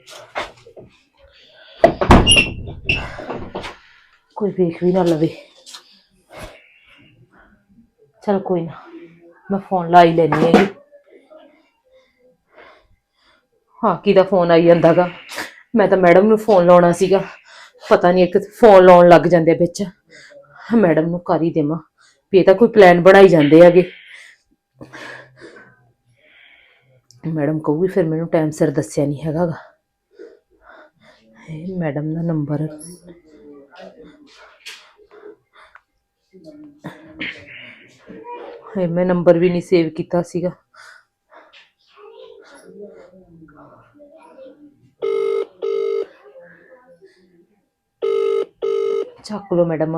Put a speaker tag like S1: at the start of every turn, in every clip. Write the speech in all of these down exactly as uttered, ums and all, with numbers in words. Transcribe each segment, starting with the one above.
S1: कोई वेख भी ना लवे। चल कोई ना, मैं फोन ला ही लैनी है। हाँ किदा फोन आई जांदा गा। मैं तो मैडम नूं फोन लाउणा सीगा, पता नहीं एक फोन लाउण लग जांदे विच। मैडम नूं कर ही देवां भी ये तां कोई प्लान बनाई जांदे हैगे। मैडम कहूगी फिर मैनूं टाइम सिर दस्सिआ नहीं हैगा गा। हाय मैडम दा नंबर हाय मैं नंबर भी नहीं सेव कीता सीगा। ਚੱਕ ਲੋ मैडम।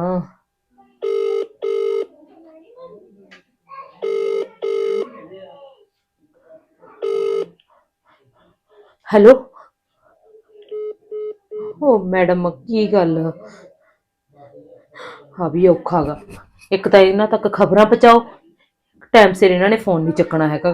S1: हेलो ओ मैडम की गल। हाँ भी औखा गा, एक तो इन्हां तक खबरां पहुंचाओ, टाइम सिर इन्हां ने फोन नहीं चकना हैगा।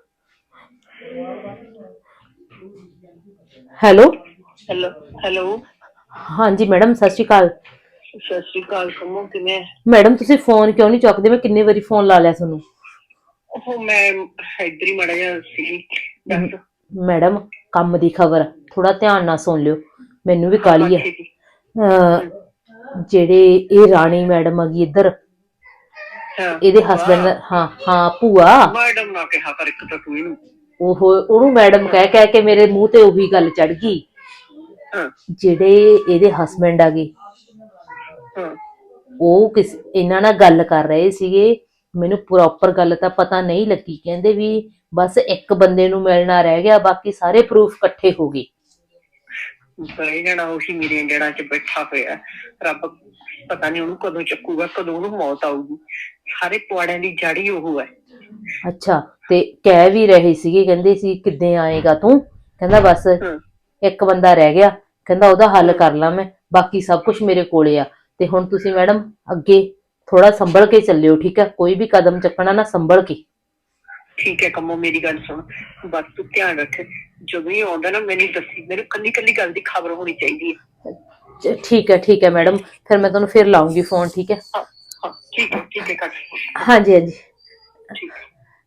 S1: हेलो
S2: हेलो हेलो
S1: हाँ जी मैडम सत श्री अकाल।
S2: सत श्री अकाल कमो किवें?
S1: मैडम तुसीं फोन क्यों नहीं चुकदे? मैं किन्ने वारी फोन ला लिया तुहानूं।
S2: ओह मैं इधर ही माड़ा जिहा सी दस।
S1: मैडम काम दी खबर थोड़ा ध्यान नाल सुन लियो, मैनूं भी
S2: हाँ हाँ
S1: काहली है।
S2: ठीक है।
S1: जेड़े ये राणी मैडम आ गई इधर,
S2: हाँ
S1: ਇਹਦੇ
S2: भूआ
S1: ਹਸਬੰਡ हाँ हाँ ਭੂਆ
S2: मैडम ना कहा कर एक तो तू ही
S1: ਉਹ ਉਹਨੂੰ ਮੈਡਮ ਕਹਿ ਕਹਿ ਕੇ ਮੇਰੇ ਮੂੰਹ ਤੇ ਉਹੀ ਗੱਲ ਚੜ ਗਈ।
S2: हाँ
S1: ਜਿਹੜੇ ਇਹਦੇ ਹਸਬੰਡ ਆ ਗਏ
S2: हाँ
S1: ਉਹ ਕਿਸ ਇਹਨਾਂ ਨਾਲ ਗੱਲ ਕਰ ਰਹੇ ਸੀਗੇ। ਮੈਨੂੰ ਪ੍ਰੋਪਰ ਗੱਲ ਤਾਂ ਪਤਾ ਨਹੀਂ ਲੱਗੀ, ਕਹਿੰਦੇ ਵੀ ਬਸ ਇੱਕ ਬੰਦੇ ਨੂੰ ਮਿਲਣਾ ਰਹਿ ਗਿਆ, ਬਾਕੀ ਸਾਰੇ ਪ੍ਰੂਫ ਇਕੱਠੇ ਹੋ ਗਏ।
S2: ਬਈ ਜਣਾ ਉਹੀ ਮੇਰੇ ਜੜਾਂ 'ਚ ਬੈਠਾ ਹੋਇਆ, ਰੱਬ ਪਤਾ ਨਹੀਂ ਉਹਨੂੰ ਕਦੋਂ ਚੱਕੂਗਾ, ਕਦੋਂ ਉਹਨੂੰ ਮੌਤ ਆਊਗੀ। ਸਾਰੇ ਪੁਆੜਿਆਂ ਦੀ ਜੜ ਹੀ ਉਹ ਹੈ।
S1: ਅੱਛਾ ਤੇ ਕਹਿ ਵੀ ਰਹੇ ਸੀਗੇ, ਕਹਿੰਦੇ ਸੀ ਕਿੱਦਾਂ ਆਏਗਾ ਤੂੰ, ਕਹਿੰਦਾ ਬਸ ਇੱਕ ਬੰਦਾ ਰਹਿ ਗਿਆ, ਕਹਿੰਦਾ ਉਹਦਾ ਹੱਲ ਕਰ ਲਾਂ ਮੈਂ, ਬਾਕੀ ਸਭ ਕੁਝ ਮੇਰੇ ਕੋਲੇ ਆ। ਤੇ ਹੁਣ ਤੁਸੀਂ ਮੈਡਮ ਅੱਗੇ ਥੋੜਾ ਸੰਭਲ ਕੇ ਚੱਲਿਓ, ਠੀਕ ਹੈ? ਕੋਈ ਵੀ ਕਦਮ ਚੱਕਣਾ ਨਾ ਸੰਭਲ ਕੇ।
S2: ਠੀਕ ਹੈ ਕੰਮੋ ਮੇਰੀ ਗੱਲ ਸੁਣ, ਬਸ ਤੂੰ ਧਿਆਨ ਰੱਖ, ਜਦੋਂ ਹੀ ਆਉਂਦਾ ਨਾ ਮੈਨੂੰ ਦੱਸੀ, ਮੈਨੂੰ ਕੱਲੀ ਕੱਲੀ ਗੱਲ ਦੀ ਖਬਰ ਹੋਣੀ ਚਾਹੀਦੀ ਹੈ।
S1: ठीक है ठीक है मैडम, फिर मैं तुहानूं फिर लाऊंगी फोन, ठीक है?
S2: हाँ हाँ ठीक है ठीक है कर
S1: हाँ जी हाँ जी
S2: ठीक है।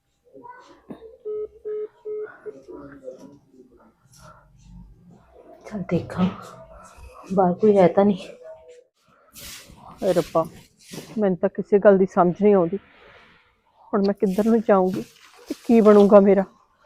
S1: चल देखा बाहर कोई है तो नहीं।
S3: ਹਾਏ ਰੱਬਾ, ਮੈਨੂੰ ਤਾਂ ਕਿਸੇ ਗੱਲ ਦੀ ਸਮਝ ਨਹੀਂ ਆਉਂਦੀ। ਹੁਣ ਮੈਂ ਕਿੱਧਰ ਨੂੰ ਜਾਊਂਗੀ ਤੇ ਕੀ ਬਣੂਗਾ ਮੇਰਾ?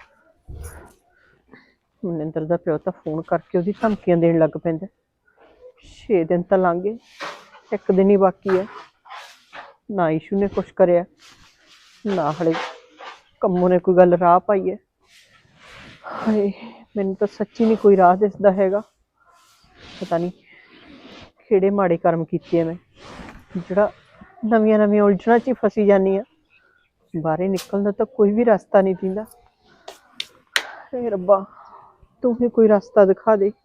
S3: ਮਨਿੰਦਰ ਦਾ ਪਿਓ ਤਾਂ ਫੋਨ ਕਰਕੇ ਉਹਦੀ ਧਮਕੀਆਂ ਦੇਣ ਲੱਗ ਪੈਂਦਾ। ਛੇ ਦਿਨ ਤਾਂ ਲੰਘ ਗਏ, ਇੱਕ ਦਿਨ ਹੀ ਬਾਕੀ ਹੈ। ਨਾ ਈਸ਼ੂ ਨੇ ਕੁਛ ਕਰਿਆ, ਨਾ ਹਲੇ ਕੰਮੋਂ ਨੇ ਕੋਈ ਗੱਲ ਰਾਹ ਪਾਈ ਹੈ। ਹਾਏ ਮੈਨੂੰ ਤਾਂ ਸੱਚੀ ਨਹੀਂ ਕੋਈ ਰਾਹ ਦਿਸਦਾ ਹੈਗਾ। ਪਤਾ ਨਹੀਂ ਕਿਹੜੇ ਮਾੜੇ ਕਰਮ ਕੀਤੇ ਆ ਮੈਂ, ਜਿਹੜਾ ਨਵੀਆਂ ਨਵੀਆਂ ਉਲਝਣਾਂ 'ਚ ਹੀ ਫਸੀ ਜਾਂਦੀ ਹਾਂ। ਬਾਹਰ ਨਿਕਲਣ ਦਾ ਤਾਂ ਕੋਈ ਵੀ ਰਸਤਾ ਨਹੀਂ ਦਿੰਦਾ। ਹੇ ਰੱਬਾ ਤੂੰ ਹੀ ਕੋਈ ਰਸਤਾ ਦਿਖਾ ਦੇ।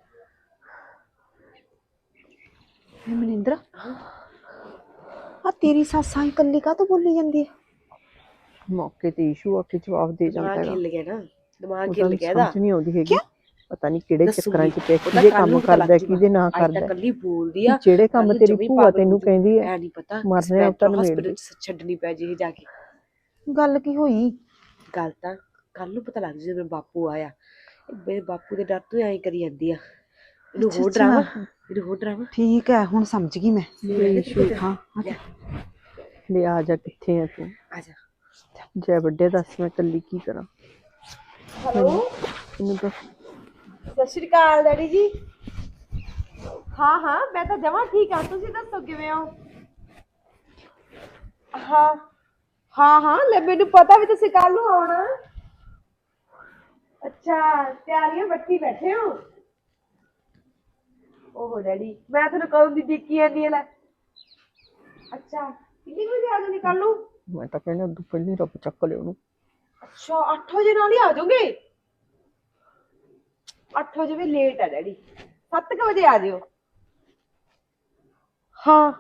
S4: ਮਨਿੰਦਰ ਆ ਤੇਰੀ ਸੱਸ ਆ ਇਕੱਲੀ ਕਾਹਤੋਂ ਬੋਲੀ ਜਾਂਦੀ ਹੈ?
S3: ਮੌਕੇ ਤੇ ਈਸ਼ੂ ਆ ਕੇ ਜਵਾਬ ਦੇ ਜਾਂਦਾ ਹੈਗਾ।
S4: ਖਿੱਲ ਗਿਆ ਨਾ, ਦਿਮਾਗ ਖਿੱਲ ਗਿਆ
S3: ਸਮਝ ਨਹੀਂ ਆਉਂਦੀ ਹੈਗੀ, ਪਤਾ ਨਹੀਂ ਕਿਹੜੇ ਚੱਕਰਾਂ 'ਚ ਪੈ ਕਿਹਦੇ ਕੰਮ ਕਰਦਾ ਕਿਹਦੇ ਨਾ ਕਰਦਾ।
S4: ਕੱਲੀ ਬੋਲਦੀ ਆ,
S3: ਜਿਹੜੇ ਕੰਮ ਤੇਰੀ ਭੂਆ ਤੈਨੂੰ ਕਹਿੰਦੀ ਹੈ
S4: ਨਹੀਂ ਪਤਾ
S3: ਮਰਨੇ ਉਹ ਤਾਂ
S4: ਹਸਪੀਟਲ ਛੱਡਣੀ ਪੈ ਜੇ ਜਾ ਕੇ। ਗੱਲ ਕੀ ਹੋਈ? ਗੱਲ ਤਾਂ ਕੱਲ ਨੂੰ ਪਤਾ ਲੱਗ ਜੇ ਜਦੋਂ ਬਾਪੂ ਆਇਆ। ਮੇਰੇ ਬਾਪੂ ਦੇ ਡਰ ਤੋਂ ਐਂ ਕਰੀ ਜਾਂਦੀ ਆ। ਇਹਨੂੰ ਹੋਰ ਡਰਾਵਾ, ਇਹਨੂੰ ਹੋਰ ਡਰਾਵਾ। ਠੀਕ ਹੈ ਹੁਣ ਸਮਝ ਗਈ ਮੈਂ। ਹਾਂ
S3: ਲੈ ਆ ਜਾ, ਕਿੱਥੇ ਆ ਤੂੰ?
S4: ਆ ਜਾ।
S3: ਜੈ ਵੱਡੇ ਦੱਸ ਮੈਂ ਇਕੱਲੀ ਕੀ ਕਰਾਂ?
S4: ਹੈਲੋ
S3: ਇਹਨੂੰ ਤਾਂ
S4: ਸਤਿ ਸ਼੍ਰੀ ਅਕਾਲ ਡੈਡੀ ਜੀ। ਹਾਂ ਹਾਂ ਮੈਂ ਤਾਂ ਜਮਾਂ ਠੀਕ ਹਾਂ, ਤੁਸੀਂ ਦੱਸੋ ਕਿਵੇਂ ਹੋ? ਹਾਂ ਹਾਂ ਹਾਂ ਲੈ ਮੈਨੂੰ ਪਤਾ ਵੀ ਤੁਸੀਂ ਕੱਲ ਨੂੰ ਆਉਣਾ। ਅੱਛਾ ਤਿਆਰੀਆਂ ਬੱਟੀ ਬੈਠੇ ਹੋ? ਓਹੋ ਡੈਡੀ ਮੈਂ ਤੁਹਾਨੂੰ ਕਦੋਂ ਦੀ ਡਿੱਕੀ ਜਾਂਦੀ ਲੈ। ਅੱਛਾ ਕਿੰਨੇ ਵਜੇ ਆ ਜਾਓਗੇ ਕੱਲ ਨੂੰ?
S3: ਮੈਂ ਤਾਂ ਕਹਿੰਦਾ ਉਦੋਂ ਪਹਿਲਾਂ ਰੱਬ ਚੱਕ ਲਿਓ ਉਹਨੂੰ।
S4: ਅੱਛਾ ਅੱਠ ਵਜੇ ਨਾਲ ਹੀ ਆ ਜਾਓਗੇ? ਅੱਠ ਵਜੇ ਵੀ ਲੇਟ ਹੈ ਡੈਡੀ, ਸੱਤ ਕੁ ਵਜੇ ਆ ਜਿਓ। ਹਾਂ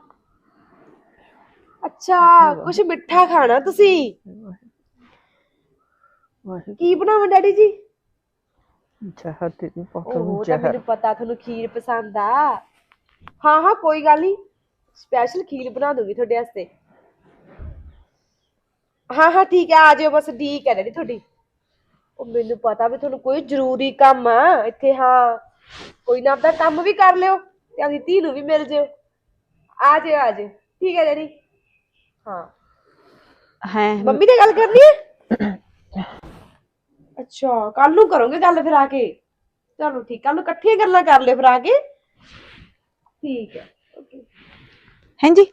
S4: ਅੱਛਾ ਕੁਛ ਮਿੱਠਾ ਖਾਣਾ ਤੁਸੀਂ? ਕੀ ਬਣਾਵਾਂ ਡੈਡੀ ਜੀ?
S3: ਜ਼ਹਿਰ ਦੇ ਦੂੰ
S4: ਉਹ
S3: ਪਾਪਾ
S4: ਤਾਂ
S3: ਜ਼ਹਿਰ।
S4: ਮੈਨੂੰ ਪਤਾ ਤੁਹਾਨੂੰ ਖੀਰ ਪਸੰਦ ਆ। ਹਾਂ ਹਾਂ ਕੋਈ ਗੱਲ ਨਹੀਂ, ਸਪੈਸ਼ਲ ਖੀਰ ਬਣਾ ਦੂੰਗੀ ਤੁਹਾਡੇ ਵਾਸਤੇ। ਹਾਂ ਹਾਂ ਠੀਕ ਹੈ, ਆ ਜਾਓ ਬਸ, ਠੀਕ ਹੈ ਡੈਡੀ ਤੁਹਾਡੀ। ਉਹ ਮੈਨੂੰ ਪਤਾ ਵੀ ਤੁਹਾਨੂੰ ਕੋਈ ਜ਼ਰੂਰੀ ਕੰਮ ਆ ਇੱਥੇ। ਹਾਂ ਕੋਈ ਨਾ, ਆਪਦਾ ਕੰਮ ਵੀ ਕਰ ਲਿਓ ਤੇ ਆਪਣੀ ਧੀ ਨੂੰ ਵੀ ਮਿਲ ਜਿਓ। ਆ ਜਾਓ ਆ ਜਾਓ, ਠੀਕ ਹੈ ਡੈਡੀ। ਹਾਂ
S3: ਹੈ
S4: ਮੰਮੀ ਨਾਲ ਗੱਲ ਕਰਨੀ ਹੈ? ਅੱਛਾ ਕੱਲ ਨੂੰ ਕਰੋਗੇ ਗੱਲ ਫਿਰ ਆ ਕੇ? ਚਲੋ ਠੀਕ, ਕੱਲ ਨੂੰ ਇਕੱਠੀਆਂ ਗੱਲਾਂ ਕਰ ਲਿਓ ਫਿਰ ਆ ਕੇ। ਠੀਕ ਹੈ ਓਕੇ।
S5: ਹਾਂਜੀ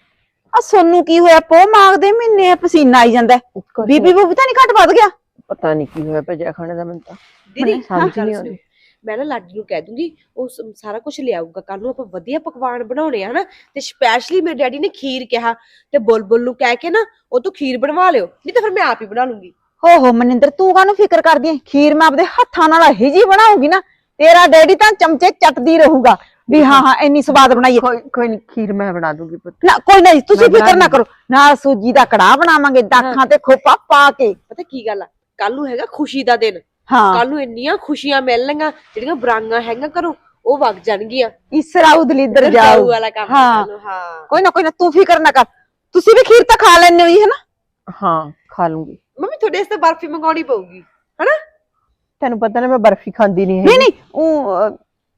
S5: ਆ ਸੋਨੂੰ ਕੀ ਹੋਇਆ? ਪੋ ਮਾਗਦੇ ਮਹੀਨੇ ਪਸੀਨਾ ਆਈ ਜਾਂਦਾ। ਬੀਬੀ ਬੂਬੀ ਤਾਂ ਨਹੀਂ ਘੱਟ ਵੱਧ ਗਿਆ?
S3: ਪਤਾ ਨਹੀਂ ਕੀ ਹੋਇਆ ਭਜਿਆ ਖਾਣੇ ਦਾ ਮੈਨੂੰ ਤਾਂ
S4: ਦੀਦੀ
S3: ਸਮਝ
S4: ਗੱਲ
S3: ਨਹੀਂ
S4: ਸੁਣੋ,
S3: ਆਉਂਦੀ।
S4: ਮੈਂ ਨਾ ਲਾਡੀ ਨੂੰ ਕਹਿ ਦੂੰਗੀ, ਉਹ ਸ- ਸਾਰਾ ਕੁਝ ਲਿਆਊਗਾ। ਕੱਲ ਨੂੰ ਆਪਾਂ ਵਧੀਆ ਪਕਵਾਨ ਬਣਾਉਣੇ ਆ ਹਨਾ, ਤੇ ਸਪੈਸ਼ਲੀ ਮੇਰੇ ਡੈਡੀ ਨੇ ਖੀਰ ਕਿਹਾ, ਤੇ ਬੁਲਬੁਲ ਨੂੰ ਕਹਿ ਕੇ ਨਾ ਉਹ ਤੋਂ ਖੀਰ ਬਣਵਾ ਲਿਓ, ਨਹੀਂ ਤਾਂ ਫਿਰ ਮੈਂ ਆਪ ਹੀ ਬਣਾ ਲੂੰਗੀ।
S5: ਹੋ ਹੋ ਮਨਿੰਦਰ ਤੂੰ ਕਾਹਨੂੰ ਫਿਕਰ ਕਰਦੀ ਐ? ਖੀਰ ਮੈਂ ਆਪਦੇ ਹੱਥਾਂ ਨਾਲ ਇਹੀ ਜੀ ਬਣਾਉਂਗੀ ਨਾ, ਤੇਰਾ ਡੈਡੀ ਤਾਂ ਚਮਚੇ ਚੱਟਦੀ ਰਹੂਗਾ ਵੀ ਹਾਂ ਹਾਂ ਇੰਨੀ ਸਵਾਦ ਬਣਾਈ ਹੈ।
S3: ਕੋਈ ਕੋਈ ਨਹੀਂ, ਖੀਰ ਮੈਂ ਬਣਾ ਦੂੰਗੀ ਪੁੱਤ।
S5: ਨਾ ਕੋਈ ਨਹੀਂ, ਤੁਸੀਂ
S3: ਮੈਂ ਬਣਾ
S5: ਫਿਕਰ ਨਾ
S3: ਲੂੰਗੀ।
S5: ਕਰੋ। ਨਾਲ ਸੂਜੀ ਦਾ ਕੜਾਹ ਬਣਾਵਾਂਗੇ, ਦਾਖਾਂ ਤੇ ਖੋਪਾ ਪਾ ਕੇ।
S4: ਪਤਾ ਕੀ ਗੱਲ ਆ, ਕੱਲ ਨੂੰ ਹੈਗਾ ਖੁਸ਼ੀ ਦਾ ਦਿਨ।
S5: ਹਾਂ
S4: ਕੱਲ ਨੂੰ ਇੰਨੀਆਂ ਖੁਸ਼ੀਆਂ ਮਿਲਣਗੀਆਂ, ਜਿਹੜੀਆਂ ਬਰਾਂਗਾਂ ਹੈਗੀਆਂ ਘਰੋਂ ਉਹ ਵਗ ਜਾਣਗੀਆਂ।
S5: ਇਸਰਾਉ ਦਲਿੱਦਰ ਜਾਓ।
S4: ਵਾਲਾ ਕੰਮ
S5: ਹਾਂ।
S4: ਕੱਲ੍ਹ ਨੂੰ, ਹਾਂ
S5: ਕੋਈ ਨਾ ਕੋਈ ਨਾ, ਤੂੰ ਫਿਕਰ ਨਾ ਕਰ। ਤੁਸੀਂ ਵੀ ਖੀਰ ਤਾਂ ਖਾ ਲੈਣੇ ਹੋ ਹੀ ਹੈ ਨਾ?
S3: ਹਾਂ ਖਾ ਲੂੰਗੀ।
S4: ਮੰਮੀ ਤੁਹਾਡੇ ਵਾਸਤੇ ਬਰਫੀ ਮੰਗਾਉਣੀ ਪਊਗੀ ਹਨਾ।
S3: ਤੈਨੂੰ ਪਤਾ ਨਾ ਮੈਂ ਬਰਫੀ ਖਾਂਦੀ ਨਹੀਂ
S5: ਨਹੀਂ
S3: ਹੈਗੀ।
S5: ਨਹੀਂ ਉਹ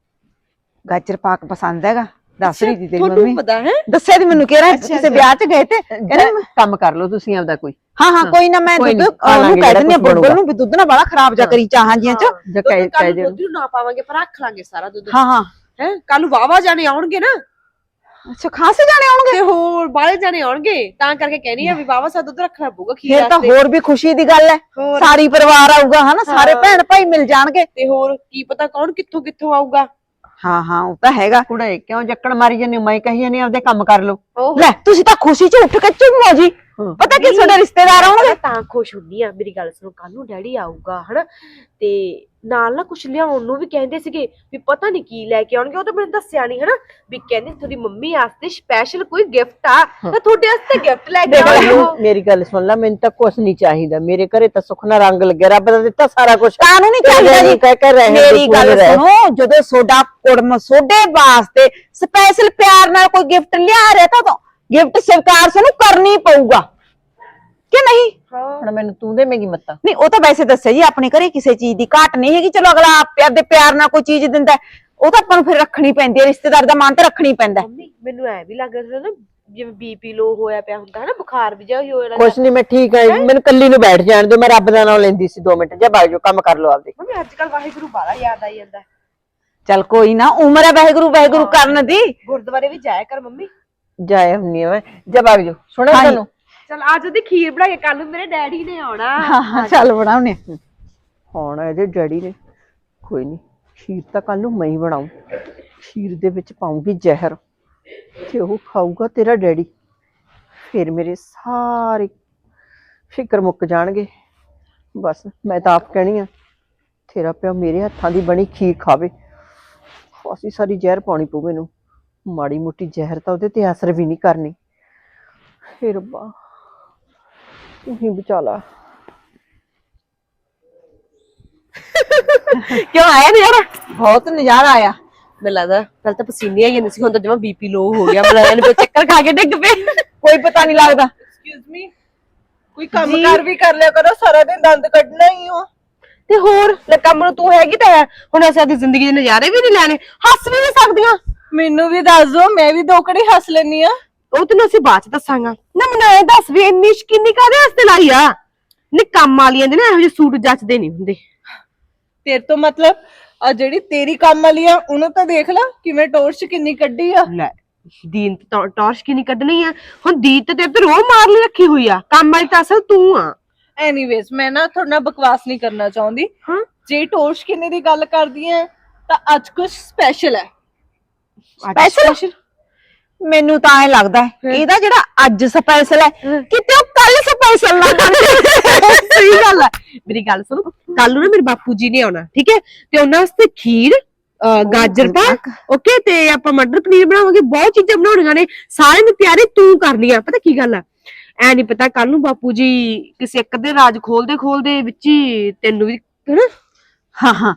S5: ਗਾਜਰ ਪਾਕ ਪਸੰਦ ਹੈਗਾ, ਦੱਸ ਰਹੀ ਸੀ ਤੇਰੀ
S4: ਤੁਹਾਨੂੰ
S5: ਮੰਮੀ।
S4: ਪਤਾ ਹੈ?
S5: ਦੱਸਿਆ ਤੇ ਮੈਨੂੰ, ਕਹਿ ਰਿਹਾ
S4: ਅੱਛਾ,
S5: ਕਿਸੇ
S4: ਅੱਛਾ।
S5: ਵਿਆਹ 'ਚ ਗਏ ਤੇ ਕਹਿੰਦਾ
S3: ਜਾ, ਕੰਮ ਕਰ ਲਓ ਤੁਸੀਂ ਆਪਦਾ ਕੋਈ।
S5: ਹਾਂ ਹਾਂ ਕੋਈ ਨਾ, ਮੈਂ
S3: ਕੋਈ
S5: ਦੁੱਧ
S3: ਨੀ, ਖਾ
S5: ਉਹਨੂੰ
S3: ਲਾਂਗੇ
S5: ਕਹਿ
S3: ਜਿਹੜਾ
S5: ਦਿੰਦੀ ਆ
S3: ਕੁਛ
S5: ਬੁਲਬੁਲ
S3: ਬਣੂਗਾ।
S5: ਨੂੰ ਵੀ ਦੁੱਧ ਨਾ ਬੜਾ ਖਰਾਬ ਜਾ ਕਰੀ ਚਾਹਾਂ ਜੀਆਂ 'ਚ।
S3: ਜਾਂ ਕਹਿ
S4: ਕੱਲ
S3: ਕਹਿ
S4: ਨੂੰ
S3: ਦੇ
S4: ਦੁੱਧ ਨੂੰ ਨਾ ਪਾਵਾਂਗੇ, ਪਰ ਰੱਖ ਲਾਂਗੇ ਸਾਰਾ ਦੁੱਧ।
S5: ਹਾਂ ਹਾਂ
S4: ਹੈ ਕੱਲ ਨੂੰ ਵਾਵਾ ਜਾਣੇ ਆਉਣਗੇ ਨਾ,
S5: ਅੱਛਾ ਖਾਸੇ ਜਾਣੇ ਆਉਣਗੇ?
S4: ਤੇ ਹੋਰ ਬਾਹਲੇ ਜਾਣੇ ਆਉਣਗੇ, ਤਾਂ ਕਰਕੇ ਕਹਿਣੀ ਆ ਵੀ ਵਾਵਾ ਸਾ ਦੁੱਧ ਰੱਖਣਾ ਪਊਗਾ ਖੀਰ
S5: ਫਿਰ ਤਾਂ
S4: ਵਾਸਤੇ।
S5: ਹੋਰ ਵੀ ਖੁਸ਼ੀ ਦੀ ਗੱਲ ਹੈ,
S4: ਹੋਰ।
S5: ਸਾਰੀ ਪਰਿਵਾਰ ਆਊਗਾ ਹਨਾ, ਸਾਰੇ
S4: ਹਾਂ।
S5: ਭੈਣ ਭਾਈ ਮਿਲ ਜਾਣਗੇ।
S4: ਤੇ ਹੋਰ ਕੀ ਪਤਾ ਕੌਣ ਕਿੱਥੋਂ ਕਿੱਥੋਂ ਆਊਗਾ।
S5: ਹਾਂ ਹਾਂ ਉਹ ਤਾਂ ਹੈਗਾ।
S3: ਕੁੜੇ ਕਿਉਂ ਜੱਕਣ ਮਾਰੀ ਜਾਂਦੀ? ਮੈਂ ਕਹੀ ਜਾਂਦੀ ਆਪਦੇ ਕੰਮ ਕਰ ਲਓ।
S4: ਉਹ
S5: ਲੈ ਤੁਸੀਂ ਤਾਂ ਖੁਸ਼ੀ 'ਚ ਉੱਠ ਕੇ ਝੂਮੋ ਜੀ।
S3: ਹਾਂ।
S5: ਪਤਾ ਕੀ ਤੁਹਾਡੇ ਰਿਸ਼ਤੇਦਾਰ ਆਉਣਗੇ।
S4: ਮੈਂ ਤਾਂ ਖੁਸ਼ ਹੁੰਦੀ ਆ, ਮੇਰੀ ਗੱਲ ਸੁਣੋ, ਕੱਲ ਨੂੰ ਡੈਡੀ ਆਊਗਾ ਹਨਾ, ਤੇ ਨਾਲ ਨਾ ਕੁਛ ਲਿਆਉਣ ਨੂੰ ਵੀ ਕਹਿੰਦੇ ਸੀਗੇ, ਵੀ ਪਤਾ ਨਹੀਂ ਕੀ ਲੈ ਕੇ ਆਉਣਗੇ। ਉਹ ਤਾਂ ਮੈਨੂੰ ਦੱਸਿਆ ਨਹੀਂ ਹਨਾ, ਵੀ ਕਹਿੰਦੇ ਤੁਹਾਡੀ ਮੰਮੀ ਵਾਸਤੇ ਸਪੈਸ਼ਲ ਕੋਈ ਗਿਫਟ ਆ, ਤਾਂ ਤੁਹਾਡੇ ਵਾਸਤੇ ਗਿਫਟ ਲੈ ਕੇ
S3: ਦੇਖ ਲੈ,
S4: ਆਉਣਗੇ ਉਹ।
S3: ਮੇਰੀ ਗੱਲ ਸੁਣ ਲੈ, ਮੈਨੂੰ ਤਾਂ ਕੁਛ ਨਹੀਂ ਚਾਹੀਦਾ। ਮੇਰੇ ਘਰੇ ਤਾਂ ਸੁੱਖ ਨਾਲ ਰੰਗ ਲੱਗਿਆ, ਰੱਬ ਦਾ ਦਿੱਤਾ ਸਾਰਾ ਕੁਝ।
S5: ਕਾਹਨੂੰ ਨਹੀਂ ਚਾਹੀਦਾ ਜੀ?
S3: ਕਹਿ ਕੇ ਰਹਿਣ ਦੇ,
S5: ਮੇਰੀ
S3: ਤੂੰ
S5: ਗੱਲ
S3: ਰਹਿ।
S5: ਸੁਣੋ, ਜਦੋਂ ਸੋਡਾ ਕੁੜਮ ਸੋਡੇ ਵਾਸਤੇ ਸਪੈਸ਼ਲ ਪਿਆਰ ਨਾਲ ਕੋਈ ਗਿਫਟ ਲਿਆ ਰਿਹਾ ਤਾਂ ਗਿਫਟ ਸਵੀਕਾਰ ਸਾਨੂੰ ਕਰਨੀ ਪਊਗਾ ਕਿ ਨਹੀਂ?
S3: ਹੁਣ ਮੈਨੂੰ ਤੂੰ ਦੇਵੇਂਗੀ ਮੱਤਾ?
S5: ਨਹੀਂ ਉਹ ਤਾਂ ਵੈਸੇ ਦੱਸਿਆ ਜੀ, ਆਪਣੇ ਘਰੇ ਕਿਸੇ ਚੀਜ਼ ਦੀ ਘਾਟ ਨਹੀਂ ਹੈਗੀ। ਚਲੋ ਅਗਲਾ ਆਪੇ ਆਪਦੇ ਪਿਆਰ ਨਾਲ ਕੋਈ ਚੀਜ਼ ਦਿੰਦਾ, ਉਹ ਤਾਂ ਆਪਾਂ ਨੂੰ ਫਿਰ ਰੱਖਣੀ ਪੈਂਦੀ ਹੈ, ਰਿਸ਼ਤੇਦਾਰ ਦਾ ਮਾਨ ਤਾਂ ਰੱਖਣੀ ਪੈਂਦਾ।
S4: ਮੰਮੀ ਮੈਨੂੰ ਐ ਵੀ ਲੱਗ ਰਿਹਾ ਨਾ, ਜਿਵੇਂ ਬੀਪੀ ਲੋ ਹੋਇਆ ਪਿਆ ਹੁੰਦਾ ਹੈ ਨਾ, ਬੁਖਾਰ ਵੀ ਜਾ ਹੋਇਆ
S3: ਕੁਛ ਨਹੀਂ, ਮੈਂ ਠੀਕ ਹੈ। ਮੈਨੂੰ ਕੱਲੀ ਨੂੰ ਬੈਠ ਜਾਣ ਦਿਓ, ਮੈਂ ਰੱਬ ਦਾ ਨਾਮ ਲੈਂਦੀ ਸੀ ਦੋ ਮਿੰਟ। ਜਾ ਬਾਗ ਜੋ, ਕੰਮ ਕਰ ਲਓ ਆਪਦੇ।
S4: ਮੰਮੀ ਅੱਜ ਕੱਲ ਵਾਹਿਗੁਰੂ ਬਾਲਾ ਯਾਦ ਆਈ ਜਾਂਦਾ।
S5: ਚੱਲ ਕੋਈ ਨਾ, ਉਮਰ ਹੈ ਵਾਹਿਗੁਰੂ ਵਾਹਿਗੁਰੂ ਕਰਨ ਦੀ।
S4: ਗੁਰਦੁਆਰੇ ਵੀ ਜਾਇਆ ਕਰ ਮੰਮੀ।
S3: ਜਾਏ ਹੁੰਨੀ ਆ ਮੈਂ। ਜਾ ਬਾਗ ਜੋ, ਸੁਣਿਆ
S5: ਹਾਂਜੀ।
S3: ਤੁਹਾਨੂੰ?
S4: ਚਲ ਅੱਜ ਉਹਦੀ ਖੀਰ ਬਣਾ ਕੇ, ਕੱਲ ਨੂੰ ਮੇਰੇ ਡੈਡੀ ਨੇ ਆਉਣਾ।
S5: ਹਾਂ ਚੱਲ ਬਣਾਉਣੇ।
S3: ਹੁਣ ਇਹਦੇ ਡੈਡੀ ਨੇ, ਕੋਈ ਨਹੀਂ, ਖੀਰ ਤਾਂ ਕੱਲ ਨੂੰ ਮੈਂ ਹੀ ਬਣਾਉਂ। ਖੀਰ ਦੇ ਵਿੱਚ ਪਾਉਂਗੀ ਜ਼ਹਿਰ, ਤੇ ਉਹ ਖਾਊਗਾ ਤੇਰਾ ਡੈਡੀ। ਫਿਰ ਮੇਰੇ ਸਾਰੇ ਫਿਕਰ ਮੁੱਕ ਜਾਣਗੇ। ਬਸ ਮੈਂ ਤਾਂ ਆਪ ਕਹਿਣੀ ਆ, ਤੇਰਾ ਪਿਓ ਮੇਰੇ ਹੱਥਾਂ ਦੀ ਬਣੀ ਖੀਰ ਖਾਵੇ। ਅਸੀਂ ਸਾਰੀ ਜ਼ਹਿਰ ਪਾਉਣੀ ਪਊ ਮੈਨੂੰ, ਮਾੜੀ ਮੋਟੀ ਜ਼ਹਿਰ ਤਾਂ ਉਹਦੇ ਤੇ ਅਸਰ ਵੀ ਨਹੀਂ ਕਰਨੀ। ਫਿਰ ਰੱਬਾ ਤੂੰ ਹੀ ਬਚਾ ਲਾ।
S5: ਕਿਉਂ ਆਇਆ ਨਜ਼ਾਰਾ? ਬਹੁਤ ਨਜ਼ਾਰਾ ਆਇਆ।
S4: ਮੈਨੂੰ ਲੱਗਦਾ ਪਹਿਲਾਂ ਤਾਂ ਪਸੀਨੇ ਆਈ ਜਾਂਦੇ ਸੀ, ਹੁਣ ਤਾਂ ਜਮਾ ਬੀਪੀ ਲੋ ਹੋ ਗਿਆ। ਮੈਨੂੰ ਲੱਗਦਾ ਚੱਕਰ ਖਾ ਕੇ ਡਿੱਗ ਪਏ।
S5: ਕੋਈ ਪਤਾ ਨਹੀਂ ਲੱਗਦਾ।
S3: ਐਕਸਕਿਊਜ਼ ਮੀ, ਕੋਈ ਕੰਮ ਕਰ ਵੀ ਕਰ ਲਿਆ ਕਰੋ, ਸਾਰਾ ਦਿਨ ਦੰਦ ਕੱਢਣਾ ਹੀ ਹੋ।
S4: ਤੇ ਹੋਰ ਲੈ ਕੰਮ ਨੂੰ ਤੂੰ ਹੈਗੀ ਤਾਂ ਹੈ, ਹੁਣ ਅਸੀਂ ਆਪਣੀ ਜ਼ਿੰਦਗੀ ਦੇ ਨਜ਼ਾਰੇ ਵੀ ਨਹੀਂ ਲੈਣੇ, ਹੱਸ ਵੀ ਨਹੀਂ ਸਕਦੀਆਂ।
S3: ਮੈਨੂੰ ਵੀ ਦੱਸ ਦੋ, ਮੈਂ ਵੀ ਦੋ ਘੜੀ ਹੱਸ ਲੈਣੀ ਆ।
S4: ਉਹ ਤੈਨੂੰ ਅਸੀਂ ਬਾਅਦ ਚ ਦੱਸਾਂਗਾ ਨਾ। ਮੈਨੂੰ ਇਹ ਦੱਸ ਵੀ ਇੰਨੀ ਸ਼ਕੀਨੀ ਕਾਹਦੇ ਵਾਸਤੇ ਲਾਈ ਆ? ਨਹੀਂ ਕੰਮ ਵਾਲੀਆਂ ਦੇ ਨਾ ਇਹੋ ਜਿਹੇ ਸੂਟ ਜੱਚਦੇ ਨਹੀਂ ਹੁੰਦੇ।
S6: ਤੇਰੇ ਤੋਂ ਮਤਲਬ ਆ ਜਿਹੜੀ ਤੇਰੀ ਕੰਮ ਵਾਲੀ ਆ ਉਹਨੂੰ ਤਾਂ ਦੇਖ ਲੈ ਕਿਵੇਂ ਟੋਰਚ ਕਿੰਨੀ ਕੱਢੀ ਆ।
S4: ਲੈ ਦੀਨ ਤੇ ਟੌਰਚ ਕਿੰਨੀ ਕੱਢਣੀ ਆ? ਹੁਣ ਦੀਨ ਤੇ ਤੇਰੇ ਤੇ ਰੋਹ ਮਾਰ ਲਈ ਰੱਖੀ ਹੋਈ ਆ, ਕੰਮ ਵਾਲੀ ਤਾਂ ਅਸਲ ਤੂੰ ਆ।
S6: ਐਨੀਵੇਜ਼ ਮੈਂ ਨਾ ਤੁਹਾਡੇ ਨਾਲ ਬਕਵਾਸ ਨਹੀਂ ਕਰਨਾ ਚਾਹੁੰਦੀ।
S4: ਹਾਂ
S6: ਜੇ ਟੋਰਚ ਕਿੰਨੇ ਦੀ ਗੱਲ ਕਰਦੀ ਐ ਤਾਂ ਅੱਜ ਕੁਝ ਸਪੈਸ਼ਲ ਹੈ।
S5: ਸਪੈਸ਼ਲ? ਮੈਨੂੰ ਤਾਂ ਐ ਲੱਗਦਾ ਹੈ ਇਹਦਾ ਜਿਹੜਾ ਅੱਜ ਸਪੈਸ਼ਲ ਹੈ ਕਿਤੇ ਉਹ ਕੱਲ ਸਪੈਸ਼ਲ ਨਾ ਬਣ ਜਾਏ।
S4: ਸਹੀ ਗੱਲ ਆ। ਮੇਰੀ ਗੱਲ ਸੁਣੋ, ਕੱਲ ਨੂੰ ਨਾ ਮੇਰੇ ਬਾਪੂ ਜੀ ਨੇ ਆਉਣਾ, ਠੀਕ ਹੈ, ਤੇ ਉਹਨਾਂ ਵਾਸਤੇ ਖੀਰ, ਅਹ, ਗਾਜਰ ਪਾਕ, ਓਕੇ, ਤੇ ਆਪਾਂ ਮਟਰ ਪਨੀਰ ਬਣਾਵਾਂਗੇ। ਬਹੁਤ ਚੀਜ਼ਾਂ ਬਣਾਉਣੀਆਂ ਨੇ, ਸਾਰਿਆਂ ਦੀ ਤਿਆਰੀ ਤੂੰ ਕਰਨੀ ਆ। ਪਤਾ ਕੀ ਗੱਲ ਆ, ਐ ਨੀ ਪਤਾ ਕੱਲ ਨੂੰ ਬਾਪੂ ਜੀ ਕਿਸੇ ਇੱਕ ਦੇ ਰਾਜ ਖੋਲਦੇ ਖੋਲਦੇ ਵਿੱਚ ਹੀ ਤੈਨੂੰ ਵੀ ਹਨਾ।
S5: ਹਾਂ ਹਾਂ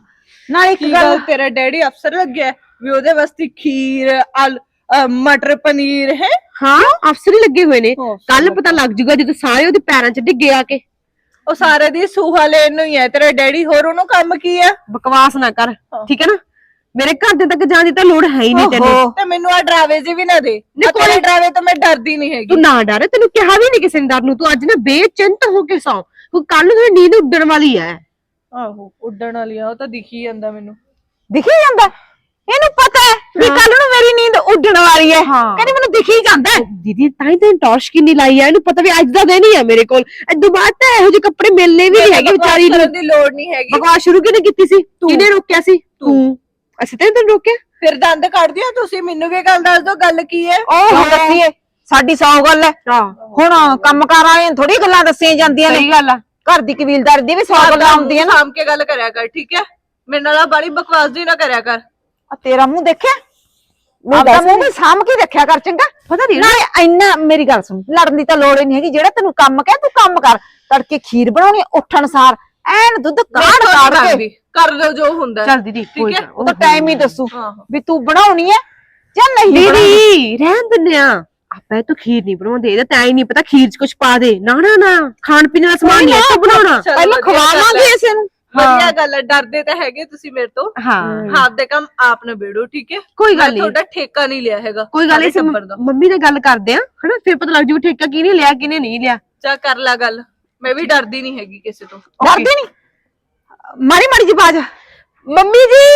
S5: ਨਾਲ ਇੱਕ
S6: ਕੀ
S5: ਗੱਲ
S6: ਗੱਲ ਤੇਰਾ ਡੈਡੀ ਅਫਸਰ ਲੱਗਿਆ ਹੈ? ਵੀ ਉਹਦੇ ਵਾਸਤੇ ਖੀਰ ਆਲ ਅ, ਮਟਰ ਪਨੀਰ ਹੈ।
S4: ਹਾਂ ਅਫਸਰ ਹੀ ਲੱਗੇ ਹੋਏ ਨੇ
S6: ਅਫਸਰ
S4: ਕੱਲ ਪਤਾ ਲੱਗ ਜੂਗਾ ਜਦੋਂ ਸਾਰੇ ਉਹਦੇ ਪੈਰਾਂ 'ਚ ਡਿੱਗੇ ਆ ਕੇ।
S6: ਉਹ ਸਾਰੇ ਦੀ ਸੂਹਾ ਲੈਣ ਨੂੰ ਹੀ ਹੈ ਤੇਰਾ ਡੈਡੀ, ਹੋਰ ਉਹਨੂੰ ਕੰਮ ਕੀ ਹੈ?
S4: ਬਕਵਾਸ ਨਾ ਕਰ ਠੀਕ ਹੈ ਨਾ, ਮੇਰੇ ਘਰ ਦੇ ਤੱਕ ਜਾਣ ਦੀ ਤਾਂ ਲੋੜ ਹੈ ਹੀ ਨਹੀਂ ਤੈਨੂੰ।
S5: ਓਹੋ,
S6: ਤੇ ਮੈਨੂੰ ਆ ਡਰਾਵੇ ਜੀ ਵੀ ਨਾ ਦੇ,
S4: ਨਹੀਂ,
S6: ਆਹ ਤੇਰੇ
S4: ਕੋਈ-
S6: ਡਰਾਵੇ ਤੋਂ ਮੈਂ ਡਰਦੀ ਨਹੀਂ ਹੈਗੀ।
S4: ਤੂੰ ਨਾ ਡਰ, ਤੈਨੂੰ ਕਿਹਾ ਵੀ ਨਹੀਂ ਕਿਸੇ ਨੇ ਡਰ ਨੂੰ। ਤੂੰ ਅੱਜ ਨਾ ਬੇਚਿੰਤ ਹੋ ਕੇ ਸੌਂ, ਕਿਉਂਕਿ ਕੱਲ ਨੂੰ ਤੇਰੀ ਨੀਂਦ ਉੱਡਣ ਵਾਲੀ ਹੈ।
S6: ਆਹੋ ਉੱਡਣ ਵਾਲੀ ਆ, ਉਹ ਤਾਂ ਦਿਖੀ ਜਾਂਦਾ ਮੈਨੂੰ।
S5: ਦਿਖੀ ਜਾਂਦਾ ਇਹਨੂੰ ਪਤਾ ਹੈ ਵੀ ਕੱਲ ਨੂੰ ਮੇਰੀ ਨੀਂਦ ਉੱਡਣ ਵਾਲੀ ਹੈ।
S4: ਹਾਂ।
S5: ਕਹਿੰਦੀ ਮੈਨੂੰ ਦਿਖੀ ਜਾਂਦਾ ਹੈ।
S4: ਦੀਦੀ ਤਾਂ ਹੀ ਤੈਨੂੰ ਟੌਰਚ ਕਿੰਨੀ ਲਾਈ ਆ, ਇਹਨੂੰ ਪਤਾ ਵੀ ਅੱਜ ਦਾ ਦਿਨ ਹੀ ਆ ਮੇਰੇ ਕੋਲ। ਇਦੋਂ ਬਾਅਦ ਤਾਂ ਇਹੋ ਜਿਹੇ ਕੱਪੜੇ ਮਿਲਨੇ ਵੀ ਨਹੀਂ ਹੈਗੇ ਵਿਚਾਰੀ ਨੂੰ।
S6: ਕਰਨ ਦੀ ਲੋੜ ਨਹੀਂ ਹੈਗੀ।
S4: ਬਕਵਾਸ ਸ਼ੁਰੂ ਕਿਹਨੇ ਕੀਤੀ ਸੀ? ਕਿਹਨੇ ਰੋਕਿਆ ਸੀ? ਤੂੰ। ਅਸੀਂ ਤਾਂ ਨੀ ਤੈਨੂੰ ਰੋਕਿਆ।
S6: ਫਿਰ ਦੰਦ ਕੱਢ ਦਿਓ ਤੁਸੀਂ, ਮੈਨੂੰ ਵੀ ਗੱਲ ਦੱਸ ਦਿਓ ਗੱਲ ਕੀ ਹੈ।
S5: ਉਹ ਦੱਸੀਏ ਸਾਡੀ ਸੌ ਗੱਲ ਹੈ।
S4: ਹਾਂ
S5: ਹੁਣ ਕੰਮਕਾਰ ਵਾਲਿਆਂ ਨੂੰ ਥੋੜੀ ਗੱਲਾਂ ਦੱਸੀਆਂ ਜਾਂਦੀਆਂ ਨੇ।
S4: ਸਹੀ ਗੱਲ ਆ।
S5: ਘਰ ਦੀ ਕਬੀਲਦਾਰੀ ਦੀ ਵੀ ਸੌ ਗੱਲਾਂ ਹੁੰਦੀਆਂ ਨਾ।
S6: ਸਾਂਭ ਕੇ ਗੱਲ ਕਰਿਆ ਕਰ ਠੀਕ ਹੈ, ਮੇਰੇ ਨਾਲ ਆਹ ਬਾਲੀ ਬਕਵਾਸ ਜੀ ਨਾ ਕਰਿਆ ਕਰ।
S5: ਆ ਤੇਰਾ ਮੂੰਹ ਦੇਖਿਆ, ਆਪਦਾ ਮੂੰਹ ਵੀ ਸਾਂਭ ਕੇ ਰੱਖਿਆ ਕਰ ਚੰਗਾ।
S4: ਪਤਾ ਨਹੀਂ
S5: ਨਾਲੇ ਇੰਨਾ ਮੇਰੀ ਗੱਲ ਸੁਣ, ਲੜਨ ਦੀ ਤਾਂ ਲੋੜ ਹੀ ਨਹੀਂ ਹੈਗੀ। ਜਿਹੜਾ ਤੈਨੂੰ ਕੰਮ ਕਹਿ ਤੂੰ ਕੰਮ ਕਰ। ਤੜਕੇ ਖੀਰ ਬਣਾਉਣੀ, ਉੱਠਣ ਸਾਰ ਐਨ ਦੁੱਧ ਕਾੜ ਕਾੜ ਕੇ
S6: ਕਰ ਲਓ ਜੋ ਹੁੰਦਾ ਹੈ।
S4: ਚੱਲ ਦੀਦੀ ਕੋਈ
S6: ਹੈ?
S4: ਨਾ,
S5: ਉਹ ਤਾਂ ਟਾਈਮ ਹੀ ਦੱਸੂ
S6: ਆਹੋ।
S5: ਵੀ ਤੂੰ ਬਣਾਉਣੀ ਹੈ ਜਾਂ ਨਹੀਂ ਬਣਾਉਣੀ।
S4: ਦੀਦੀ ਰਹਿਣ ਦਿੰਦੇ ਆ ਆਪਾਂ, ਇਹ ਤੋਂ ਖੀਰ ਨਹੀਂ ਬਣਾਉਂਦੇ। ਇਹਦਾ ਤਾਂ ਹੀ ਨਹੀਂ ਪਤਾ ਖੀਰ 'ਚ ਕੁਝ ਪਾ ਦੇ। ਨਾ ਨਾ ਨਾ, ਖਾਣ ਪੀਣ ਦਾ ਸਮਾਨ ਨਹੀਂ ਇਹ ਬਣਾਉਣਾ।
S6: ਚੱਲ
S5: ਪਹਿਲਾਂ
S6: ਵਧੀਆ ਗੱਲ
S5: ਖਵਾਵਾਂਗੇ
S6: ਹੈ।
S5: ਇਸੇ ਨੂੰ।
S6: ਵਧੀਆ ਗੱਲ ਹੈ, ਡਰਦੇ ਤਾਂ ਹੈਗੇ ਤੁਸੀਂ ਮੇਰੇ ਤੋਂ।
S4: ਹਾਂ
S6: ਆਪ ਦੇ ਕੰਮ ਆਪ ਨਿਬੇੜੋ ਠੀਕ ਹੈ,
S4: ਕੋਈ ਗੱਲ
S6: ਮੈਂ
S4: ਨਹੀਂ।
S6: ਤੁਹਾਡਾ ਠੇਕਾ ਨਹੀਂ ਲਿਆ ਹੈਗਾ।
S4: ਕੋਈ ਗੱਲ
S6: ਸਾਰੇ
S4: ਨਹੀਂ,
S6: ਟੱਬਰ ਦਾ।
S4: ਮੰਮੀ ਨਾਲ ਗੱਲ ਕਰਦੇ ਆ ਹਨਾ, ਫਿਰ ਪਤਾ ਲੱਗ ਜੂ ਠੇਕਾ ਕਿਹਨੇ ਲਿਆ ਕਿਹਨੇ ਨਹੀਂ ਲਿਆ।
S6: ਚਾ ਕਰ ਲਾ ਗੱਲ, ਮੈਂ ਵੀ ਡਰਦੀ ਨਹੀਂ ਹੈਗੀ ਕਿਸੇ ਤੋਂ।
S5: ਡਰਦੀ ਨਹੀਂ, ਮਾਰੀ ਮਾਰੀ ਜੀ ਬਾਜ।
S4: ਮੰਮੀ ਜੀ,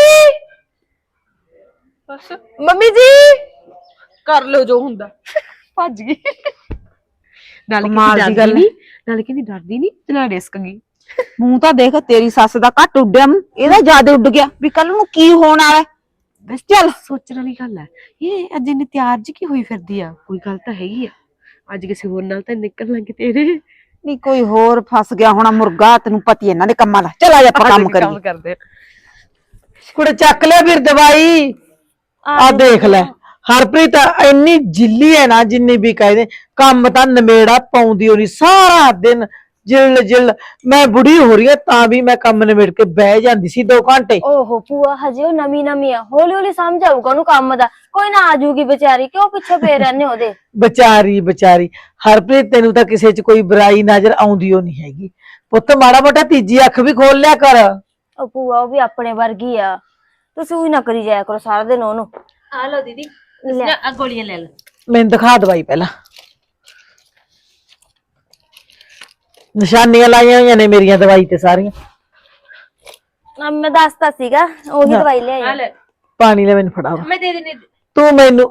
S6: ਬਸ
S4: ਮੰਮੀ ਜੀ
S6: ਕਰ ਲਓ ਜੋ ਹੁੰਦਾ।
S4: ਭੱਜ ਗਈ। ਨਾਲੇ
S5: ਕਮਾਲ ਦੀ
S4: ਕਿਤੇ
S5: ਗੱਲ
S4: ਡਰਦੀ ਨਹੀਂ, ਨਾਲੇ ਕਹਿੰਦੀ ਡਰਦੀ ਨਹੀਂ ਤੇ ਨਾਲ ਰਿਸਕ ਗਈ।
S5: ਮੂੰਹ ਤਾਂ ਦੇਖ, ਤੇਰੀ ਸੱਸ ਦਾ ਘੱਟ ਉੱਡਿਆ ਮੂੰਹ, ਇਹਦਾ ਜ਼ਿਆਦਾ ਉੱਡ ਗਿਆ ਵੀ ਕੱਲ ਨੂੰ ਕੀ ਹੋਣ ਵਾਲਾ ਹੈ।
S4: ਬਸ ਚੱਲ ਸੋਚਣ ਵਾਲੀ ਗੱਲ ਹੈ। ਇਹ ਅੱਜ ਇਹਨੇ ਤਿਆਰ ਜੀ ਕੀ ਹੋਈ ਫਿਰਦੀ ਆ, ਕੋਈ ਗੱਲ ਤਾਂ ਹੈਗੀ ਆ। ਅੱਜ ਕਿਸੇ ਹੋਰ ਨਾਲ ਤਾਂ ਨਿਕਲ ਲਾਂਗੇ ਤੇਰੇ।
S5: ਨਹੀਂ ਕੋਈ ਹੋਰ ਫਸ ਗਿਆ ਹੋਣਾ ਮੁਰਗਾ, ਤੈਨੂੰ ਪਤੀ ਇਹਨਾਂ ਦੇ ਕੰਮਾਂ ਦਾ। ਚਲ ਆ ਜਾ ਆਪਾਂ ਕੰਮ ਕਰੀਏ।
S4: ਕਰਦੇ
S7: ਕੁੜੇ ਚੱਕ ਲਿਆ ਫਿਰ ਦਵਾਈ। ਆ ਦੇਖ ਲੈ ਹਰਪ੍ਰੀਤ ਇੰਨੀ ਜਿੱਲੀ ਹੈ ਨਾ, ਜਿੰਨੀ ਵੀ ਕਹਦੇ ਕੰਮ ਤਾਂ ਨਵੇੜਾ ਪਾਉਂਦੀ ਹੋਣੀ ਸਾਰਾ ਦਿਨ ਜਿਲ ਜਿਲ। ਮੈਂ ਬੁੜੀ ਹੋ ਰਹੀ ਹਾਂ ਤਾਂ ਵੀ ਮੈਂ ਕੰਮ ਨਵੇੜ ਕੇ ਬਹਿ ਜਾਂਦੀ ਸੀ ਦੋ ਘੰਟੇ।
S8: ਓਹੋ ਭੂਆ, ਹਜੇ ਉਹ ਨਵੀਂ ਨਵੀਂ ਆ, ਹੌਲੀ ਹੌਲੀ ਸਮਝ ਆਊਗਾ ਉਹਨੂੰ ਕੰਮ ਦਾ। ਕੋਈ ਨਾ ਆਜੂਗੀ ਵਿਚਾਰੀ, ਕਿਉਂ ਪਿੱਛੇ ਪਏ ਰਹਿੰਦੇ ਉਹਦੇ।
S7: ਵਿਚਾਰੀ ਵਿਚਾਰੀ ਹਰਪ੍ਰੀਤ, ਤੈਨੂੰ ਤਾਂ ਕਿਸੇ 'ਚ ਕੋਈ ਬੁਰਾਈ ਨਜ਼ਰ ਆਉਂਦੀ ਓ ਨਹੀਂ ਹੈਗੀ। ਪੁੱਤ ਮਾੜਾ ਮੋਟਾ ਤੀਜੀ ਅੱਖ ਵੀ ਖੋਲ ਲਿਆ ਕਰ।
S8: ਉਹ ਭੂਆ ਉਹ ਵੀ ਆਪਣੇ ਵਰਗੀ ਆ, ਤੁਸੀਂ ਉਹੀ ਨਾ ਕਰੀ ਜਾਇਆ ਕਰੋ ਸਾਰਾ ਦਿਨ ਉਹਨੂੰ।
S1: ਆ ਲਓ ਦੀਦੀ,
S8: ਲੈ।
S1: ਆ ਗੋਲੀਆਂ ਲੈ ਲਓ।
S7: ਮੈਨੂੰ ਦਿਖਾ ਦਵਾਈ ਪਹਿਲਾਂ। ਨਿਸ਼ਾਨੀਆਂ ਲਾਈਆਂ ਹੋਈਆਂ ਨੇ ਮੇਰੀਆਂ ਦਵਾਈ ਤੇ ਸਾਰੀਆਂ।
S8: ਆ ਮੈਂ ਦੱਸਤਾ ਸੀਗਾ, ਉਹੀ
S7: ਹਾਂ।
S8: ਦਵਾਈ
S1: ਆ
S8: ਲਿਆਈ।
S1: ਲੈ,
S7: ਪਾਣੀ ਲੈ ਮੈਨੂੰ ਫੜਾ।
S1: ਮੈਂ ਦੇ ਦੇਣੀ।
S7: ਤੂੰ ਮੈਨੂੰ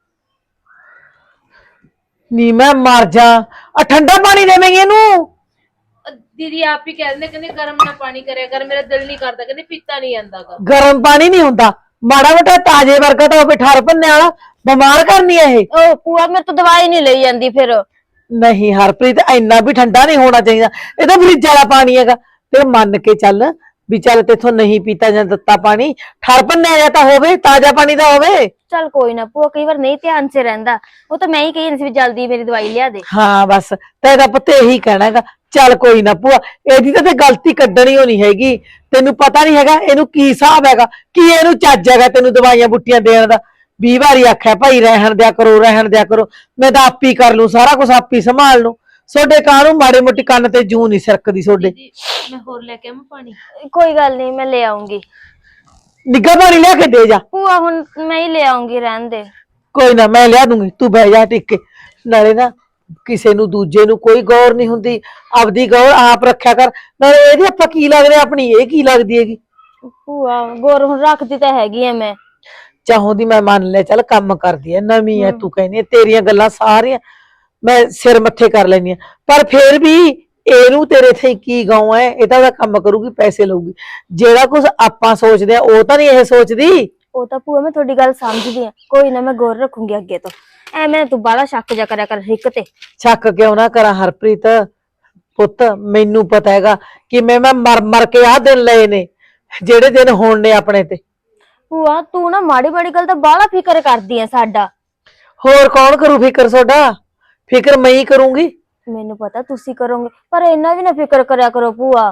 S7: ਨੀ ਮੈਂ ਮਰ ਜਾ। ਆ ਠੰਡਾ ਪਾਣੀ ਦੇਵੇਂਗੀ ਇਹਨੂੰ।
S1: ਦੀਦੀ ਆਪ ਹੀ ਕਹਿ ਦਿੰਦੇ, ਕਹਿੰਦੇ ਗਰਮ ਨਾ ਪਾਣੀ ਕਰਿਆ ਕਰ, ਮੇਰਾ ਦਿਲ ਨਹੀਂ ਕਰਦਾ, ਕਹਿੰਦੇ ਪੀਤਾ ਨਹੀਂ ਜਾਂਦਾਗਾ।
S7: ਗਰਮ ਪਾਣੀ ਨਹੀਂ ਹੁੰਦਾ, ਮਾੜਾ ਮੋਟਾ ਤਾਜੇ ਵਰਗਾ ਤਾਂ ਹੋਵੇ, ਠਰ ਭੰਨੇ ਵਾਲਾ। ਬਿਮਾਰ ਕਰਨੀ ਹੈ ਇਹ।
S8: ਉਹ ਭੂਆ ਮੇਰੇ ਤੋਂ ਦਵਾਈ ਨਹੀਂ ਲਈ ਜਾਂਦੀ ਫਿਰ।
S7: ਨਹੀਂ ਹਰਪ੍ਰੀਤ, ਇੰਨਾ ਵੀ ਠੰਡਾ ਨਹੀਂ ਹੋਣਾ ਚਾਹੀਦਾ। ਇਹ ਤਾਂ ਫਰਿੱਜ ਵਾਲਾ ਪਾਣੀ ਹੈਗਾ। ਫਿਰ ਮੰਨ ਕੇ ਚੱਲ ਵੀ ਚੱਲ ਤੇਥੋਂ ਨਹੀਂ ਪੀਤਾ ਜਾਂ ਦਿੱਤਾ ਪਾਣੀ, ਠਰ ਭੰਨਿਆ ਜਾਂ ਤਾਂ ਹੋਵੇ, ਤਾਜ਼ਾ ਪਾਣੀ ਤਾਂ ਹੋਵੇ।
S8: ਚੱਲ ਕੋਈ ਨਾ ਭੂਆ, ਕਈ ਵਾਰ ਨਹੀਂ ਧਿਆਨ 'ਚ ਰਹਿੰਦਾ। ਉਹ ਤਾਂ ਮੈਂ ਹੀ ਕਹੀ ਸੀ ਵੀ ਜਲਦੀ ਮੇਰੀ ਦਵਾਈ ਲਿਆ ਦੇ।
S7: ਹਾਂ ਬਸ ਤੇਰਾ ਪੁੱਤ ਇਹੀ ਕਹਿਣਾ ਹੈਗਾ। ਚੱਲ ਕੋਈ ਨਾ ਭੂਆ, ਇਹਦੀ ਤਾਂ ਤੇ ਗਲਤੀ ਕੱਢਣੀ ਹੋਣੀ ਹੈਗੀ। ਤੈਨੂੰ ਪਤਾ ਨਹੀਂ ਹੈਗਾ ਇਹਨੂੰ ਕੀ ਹਿਸਾਬ ਹੈਗਾ, ਕੀ ਇਹਨੂੰ ਚੱਜ ਹੈਗਾ ਤੈਨੂੰ ਦਵਾਈਆਂ ਬੁੱਟੀਆਂ ਦੇਣ ਦਾ। ਵੀਹ ਵਾਰੀ ਆਖਿਆ ਭਾਈ ਰਹਿਣ ਦਿਆ ਕਰੋ, ਰਹਿਣ ਦਿਆ ਕਰੋ। ਮੈਂ ਤਾਂ ਆਪ ਹੀ ਕਰ ਲੂ ਸਾਰਾ ਕੁਝ, ਆਪ ਹੀ ਸੰਭਾਲ ਲੂ। ਸੋਡੇ ਕਾਹਨੂੰ ਮਾੜੇ ਮੋਟੀ ਕੰਨ ਤੇ ਜੂ ਨਹੀਂ ਸਰਕਦੀ ਸੋਡੇ।
S1: ਦੀਦੀ ਮੈਂ ਹੋਰ ਲੈ ਕੇ ਆਵਾਂ ਪਾਣੀ?
S8: ਕੋਈ ਗੱਲ ਨਹੀਂ, ਮੈਂ ਲੈ ਆਉਂਗੀ।
S7: ਨਿੱਘਾ ਪਾਣੀ ਲਿਆ ਕੇ ਦੇ ਜਾ।
S8: ਭੂਆ ਹੁਣ ਮੈਂ ਹੀ ਲੈ ਆਉਂਗੀ, ਰਹਿਣ ਦੇ।
S7: ਕੋਈ ਨਾ ਮੈਂ ਲਿਆ ਦੂੰਗੀ, ਤੂੰ ਬਹਿ ਜਾ ਟਿਕ ਕੇ। ਨਾਲੇ ਨਾ ਕਿਸੇ ਨੂੰ ਦੂਜੇ ਨੂੰ ਕੋਈ ਗੌਰ ਨਹੀਂ ਹੁੰਦੀ, ਆਪਦੀ ਗੌਰ ਆਪ ਰੱਖਿਆ ਕਰ। ਨਾਲੇ ਇਹਦੀ ਆਪਾਂ ਕੀ ਲੱਗਦੇ, ਆਪਣੀ ਇਹ ਕੀ ਲੱਗਦੀ ਹੈਗੀ।
S8: ਭੂਆ ਗੌਰ ਹੁਣ ਰੱਖਦੀ ਤਾਂ ਹੈਗੀ ਐ ਮੈਂ।
S7: ਚਾਹੋਂਦੀ ਮੈਂ ਮੰਨ ਲਿਆ, ਚੱਲ ਕੰਮ ਕਰਦੀ ਐ, ਨਵੀਂ ਐ, ਤੂੰ ਕਹਿੰਦੀ ਐ, ਤੇਰੀਆਂ ਗੱਲਾਂ ਸਾਰੀਆਂ ਮੈਂ ਸਿਰ ਮੱਥੇ ਕਰ ਲੈਂਦੀ ਆ। ਪਰ ਫੇਰ ਵੀ ਇਹਨੂੰ ਤੇਰੇ ਤੇ ਕੀ ਗਾਉਂ ਐ, ਇਹ ਤਾਂ ਉਹਦਾ ਕੰਮ ਕਰੂਗੀ, ਪੈਸੇ ਲਊਗੀ। ਜਿਹੜਾ ਕੁਝ ਆਪਾਂ ਸੋਚਦੇ ਆ ਉਹ ਤਾਂ ਨਹੀਂ ਇਹ ਸੋਚਦੀ।
S8: ਉਹ ਤਾਂ ਭੂਆ ਮੈਂ ਤੁਹਾਡੀ ਗੱਲ ਸਮਝਦੀ ਆ, ਕੋਈ ਨਾ ਮੈਂ ਗੌਰ ਰੱਖੂੰਗੀ ਅੱਗੇ ਤੋਂ। ਐਵੇਂ ਤੂੰ ਬਾਹਲਾ ਸ਼ੱਕ ਜਾ ਕਰਿਆ ਕਰ ਰਿਕ ਤੇ।
S7: ਸ਼ੱਕ ਕਿਉਂ ਨਾ ਕਰਾਂ ਹਰਪ੍ਰੀਤ, ਪੁੱਤ ਮੈਨੂੰ ਪਤਾ ਹੈਗਾ ਕਿ ਮੈਂ ਮੈਂ ਮਰ ਮਰ ਕੇ ਆਹ ਦਿਨ ਲਏ ਨੇ, ਜਿਹੜੇ ਦਿਨ ਹੋਣ ਨੇ ਆਪਣੇ ਤੇ।
S8: ਭੂਆ ਤੂੰ ਨਾ ਮਾੜੀ ਮਾੜੀ ਗੱਲ ਤਾਂ ਬਾਹਲਾ ਫਿਕਰ ਕਰਦੀ ਆ ਸਾਡਾ।
S7: ਹੋਰ ਕੌਣ ਕਰੂ ਫਿਕਰ ਤੁਹਾਡਾ? ਫਿਕਰ ਮੈਂ ਹੀ ਕਰੂੰਗੀ।
S8: ਮੈਨੂੰ ਪਤਾ ਤੁਸੀਂ ਕਰੋਗੇ, ਪਰ ਇੰਨਾ ਵੀ ਨਾ ਫਿਕਰ ਕਰਿਆ ਕਰੋ ਭੂਆ।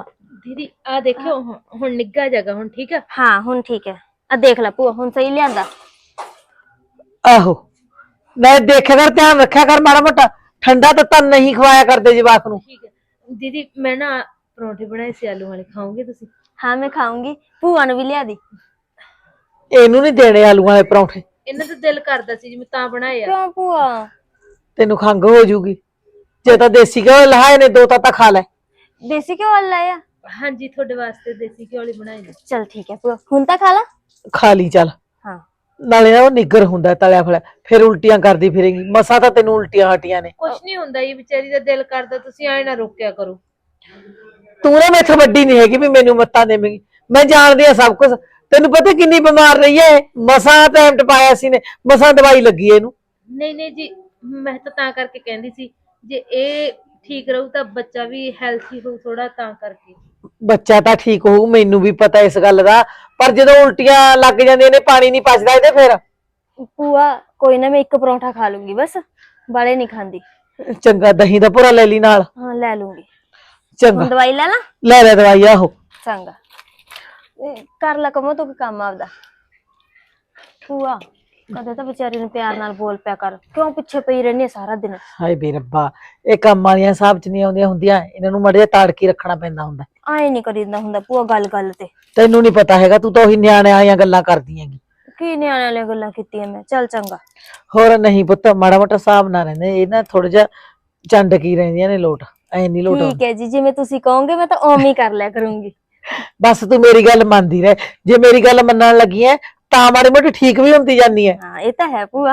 S1: ਦੀਦੀ ਆ ਦੇਖਿਓ ਹੁਣ ਹੁਣ ਨਿੱਘਾ ਜਗਾ ਹੁਣ ਠੀਕ ਆ।
S8: ਹਾਂ ਹੁਣ ਠੀਕ ਹੈ। ਆ ਦੇਖ ਲੈ ਭੂਆ ਹੁਣ ਸਹੀ ਲਿਆਂਦਾ।
S7: ਆਹੋ ਮੈਂ ਦੇਖਿਆ ਕਰ, ਧਿਆਨ ਰੱਖਿਆ ਕਰ ਮਾੜਾ ਮੋਟਾ, ਠੰਡਾ ਤੱਤਾ ਨਹੀਂ ਖਵਾਇਆ ਕਰਦੇ ਜਵਾਕ ਨੂੰ।
S1: ਠੀਕ ਹੈ ਦੀਦੀ, ਮੈਂ ਨਾ ਪਰੌਂਠੇ ਬਣਾਏ ਸੀ ਆਲੂ ਵਾਲੇ, ਖਾਓਗੇ ਤੁਸੀਂ?
S8: ਹਾਂ ਮੈਂ ਖਾਊਂਗੀ, ਭੂਆ ਨੂੰ ਵੀ ਲਿਆ ਦੀ।
S7: ਇਹਨੂੰ ਨਹੀਂ ਦੇਣੇ ਆਲੂਆਂ ਵਾਲੇ ਪਰੌਂਠੇ।
S1: ਇਹਨਾਂ ਦਾ ਦਿਲ ਕਰਦਾ ਸੀ ਜਿਵੇਂ ਤਾਂ ਬਣਾਏ ਆ।
S8: ਕਿਉਂ ਭੂਆ?
S7: ਤੈਨੂੰ ਖੰਘ ਹੋ ਜੂਗੀ, ਜੇ ਤਾਂ ਦੇਸੀ ਘਿਓ ਲਹਾਏ ਨੇ ਦੋ ਤਾਂ ਤਾਂ ਖਾ ਲੈ।
S8: ਦੇਸੀ ਘਿਓ ਵਾਲਾ ਲਾਇਆ?
S1: ਹਾਂਜੀ ਤੁਹਾਡੇ ਵਾਸਤੇ ਦੇਸੀ ਘਿਓ ਵਾਲੇ ਬਣਾਏ ਨੇ।
S8: ਚਲ ਠੀਕ ਹੈ ਭੂਆ, ਹੁਣ ਤਾਂ ਖਾ ਲਾ।
S7: ਖਾ ਲਈ ਚੱਲ।
S8: ਹਾਂ
S7: ਨਾਲੇ ਨਾ ਉਹ ਨਿੱਗਰ ਹੁੰਦਾ ਤਲਿਆ ਫਲਿਆ, ਫਿਰ ਉਲਟੀਆਂ ਕਰਦੀ ਫਿਰੇਗੀ। ਮਸਾ ਤਾਂ ਤੈਨੂੰ ਉਲਟੀਆਂ ਹਟੀਆਂ ਨੇ।
S1: ਕੁਛ ਨਹੀਂ ਹੁੰਦਾ, ਇਹ ਵਿਚਾਰੀ ਦਾ ਦਿਲ ਕਰਦਾ, ਤੁਸੀਂ ਐ ਨਾ ਰੋਕਿਆ ਕਰੋ।
S7: ਤੂੰ ਨਾ ਮੈਥੋਂ ਵੱਡੀ ਨਹੀਂ ਹੈਗੀ ਵੀ ਮੈਨੂੰ ਮੱਤਾਂ ਦੇਵੇਂਗੀ, ਮੈਂ ਜਾਣਦੀ ਆ ਸਭ ਕੁਝ। ਤੈਨੂੰ ਪਤਾ ਕਿੰਨੀ ਬਿਮਾਰ ਰਹੀ ਹੈ, ਮਸਾਂ ਟਾਈਮ ਟਪਾਇਆ ਸੀ ਨੇ, ਮਸਾਂ ਦਵਾਈ ਲੱਗੀ ਇਹਨੂੰ।
S1: ਨਹੀਂ ਨਹੀਂ ਜੀ, ਮੈਂ ਤਾਂ ਤਾਂ ਕਰਕੇ ਕਹਿੰਦੀ ਸੀ ਜੇ ਇਹ ਠੀਕ ਰਹੂ ਤਾਂ ਬੱਚਾ ਵੀ ਹੈਲਥੀ ਹੋਊ ਥੋੜਾ, ਤਾਂ ਕਰਕੇ।
S7: ਬੱਚਾ ਤਾਂ ਠੀਕ ਹੋਊ, ਮੈਨੂੰ ਵੀ ਪਤਾ ਇਸ ਗੱਲ ਦਾ, ਪਰ ਜਦੋਂ ਉਲਟੀਆਂ ਲੱਗ ਜਾਂਦੀਆਂ ਨੇ, ਪਾਣੀ ਨਹੀਂ ਪਚਦਾ ਇਹਦੇ ਫਿਰ।
S8: ਭੂਆ ਕੋਈ ਨਾ, ਮੈਂ ਇੱਕ ਪਰੌਂਠਾ ਖਾ ਲੂੰਗੀ ਬਸ, ਬਾਲੇ ਨਹੀਂ ਖਾਂਦੀ।
S7: ਚੰਗਾ ਦਹੀਂ ਦਾ ਭੁਰਾ ਲੈ ਲਈ ਨਾਲ।
S8: ਹਾਂ ਲੈ ਲੂੰਗੀ।
S7: ਚੰਗਾ
S8: ਹੁਣ ਦਵਾਈ ਲੈ ਲਾ।
S7: ਲੈ ਲੈ ਦਵਾਈ। ਆਹੋ
S8: ਚੰਗਾ ਇਹ ਕਰ ਲੈ ਕਮੋ ਤੂੰ ਕੰਮ ਆਪਦਾ। ਭੂਆ ਕਦੇ ਤਾਂ ਵਿਚਾਰੀ ਨੂੰ ਪਿਆਰ ਨਾਲ ਬੋਲ ਪਿਆ ਕਰ, ਕਿਉਂ ਪਿੱਛੇ ਪਈ ਰਹਿੰਦੀ ਹੈ ਸਾਰਾ ਦਿਨ?
S7: ਹਾਏ ਬੇ ਰੱਬਾ, ਇਹ ਕੰਮ ਵਾਲੀਆਂ ਹਿਸਾਬ ਚ ਨਹੀਂ ਆਉਂਦੀਆਂ ਹੁੰਦੀਆਂ, ਇਹਨਾਂ ਨੂੰ ਮੜੇ ਤਾੜ ਕੇ ਰੱਖਣਾ ਪੈਂਦਾ ਹੁੰਦਾ।
S8: ਆਏ ਨਹੀਂ ਕਰੀਦਾ ਹੁੰਦਾ ਭੂਆ ਗੱਲ ਗੱਲ ਤੇ।
S7: ਤੈਨੂੰ ਨਹੀਂ ਪਤਾ ਹੈਗਾ, ਤੂੰ ਤਾਂ ਉਹੀ ਨਿਆਣਿਆਂ ਵਾਲੀਆਂ ਗੱਲਾਂ ਕਰਦੀ ਹੈਗੀ।
S8: ਕੀ ਨਿਆਣਿਆਂ ਵਾਲੀਆਂ ਗੱਲਾਂ ਕੀਤੀਆਂ ਮੈਂ? ਚੱਲ ਚੰਗਾ।
S7: ਹੋਰ ਨਹੀਂ ਪੁੱਤ, ਮਾੜਾ ਮੋਟਾ ਹਿਸਾਬ ਨਾ ਰਹਿੰਦੇ ਇਹ ਨਾ, ਥੋੜਾ ਜਿਹਾ ਚੰਡ ਕੀ ਰਹਿੰਦੀਆਂ ਨੇ ਲੋਟ, ਐ ਨਹੀਂ ਲੋਟ।
S8: ਠੀਕ ਹੈ ਜੀ, ਜਿਵੇਂ ਤੁਸੀਂ ਕਹੋਗੇ ਮੈਂ ਤਾਂ ਉਵੇਂ ਹੀ ਕਰ ਲਿਆ ਕਰੂੰਗੀ।
S7: ਬਸ ਤੂੰ ਮੇਰੀ ਗੱਲ ਮੰਨਦੀ ਰਹਿ, ਜੇ ਮੇਰੀ ਗੱਲ ਮੰਨਣ ਲੱਗੀ ਐ ਤਾਂ ਮਾੜੀ ਮੋਟੀ ਠੀਕ ਵੀ ਹੁੰਦੀ ਜਾਂਦੀ ਐ।
S8: ਹਾਂ ਇਹ ਤਾਂ ਹੈ ਭੂਆ।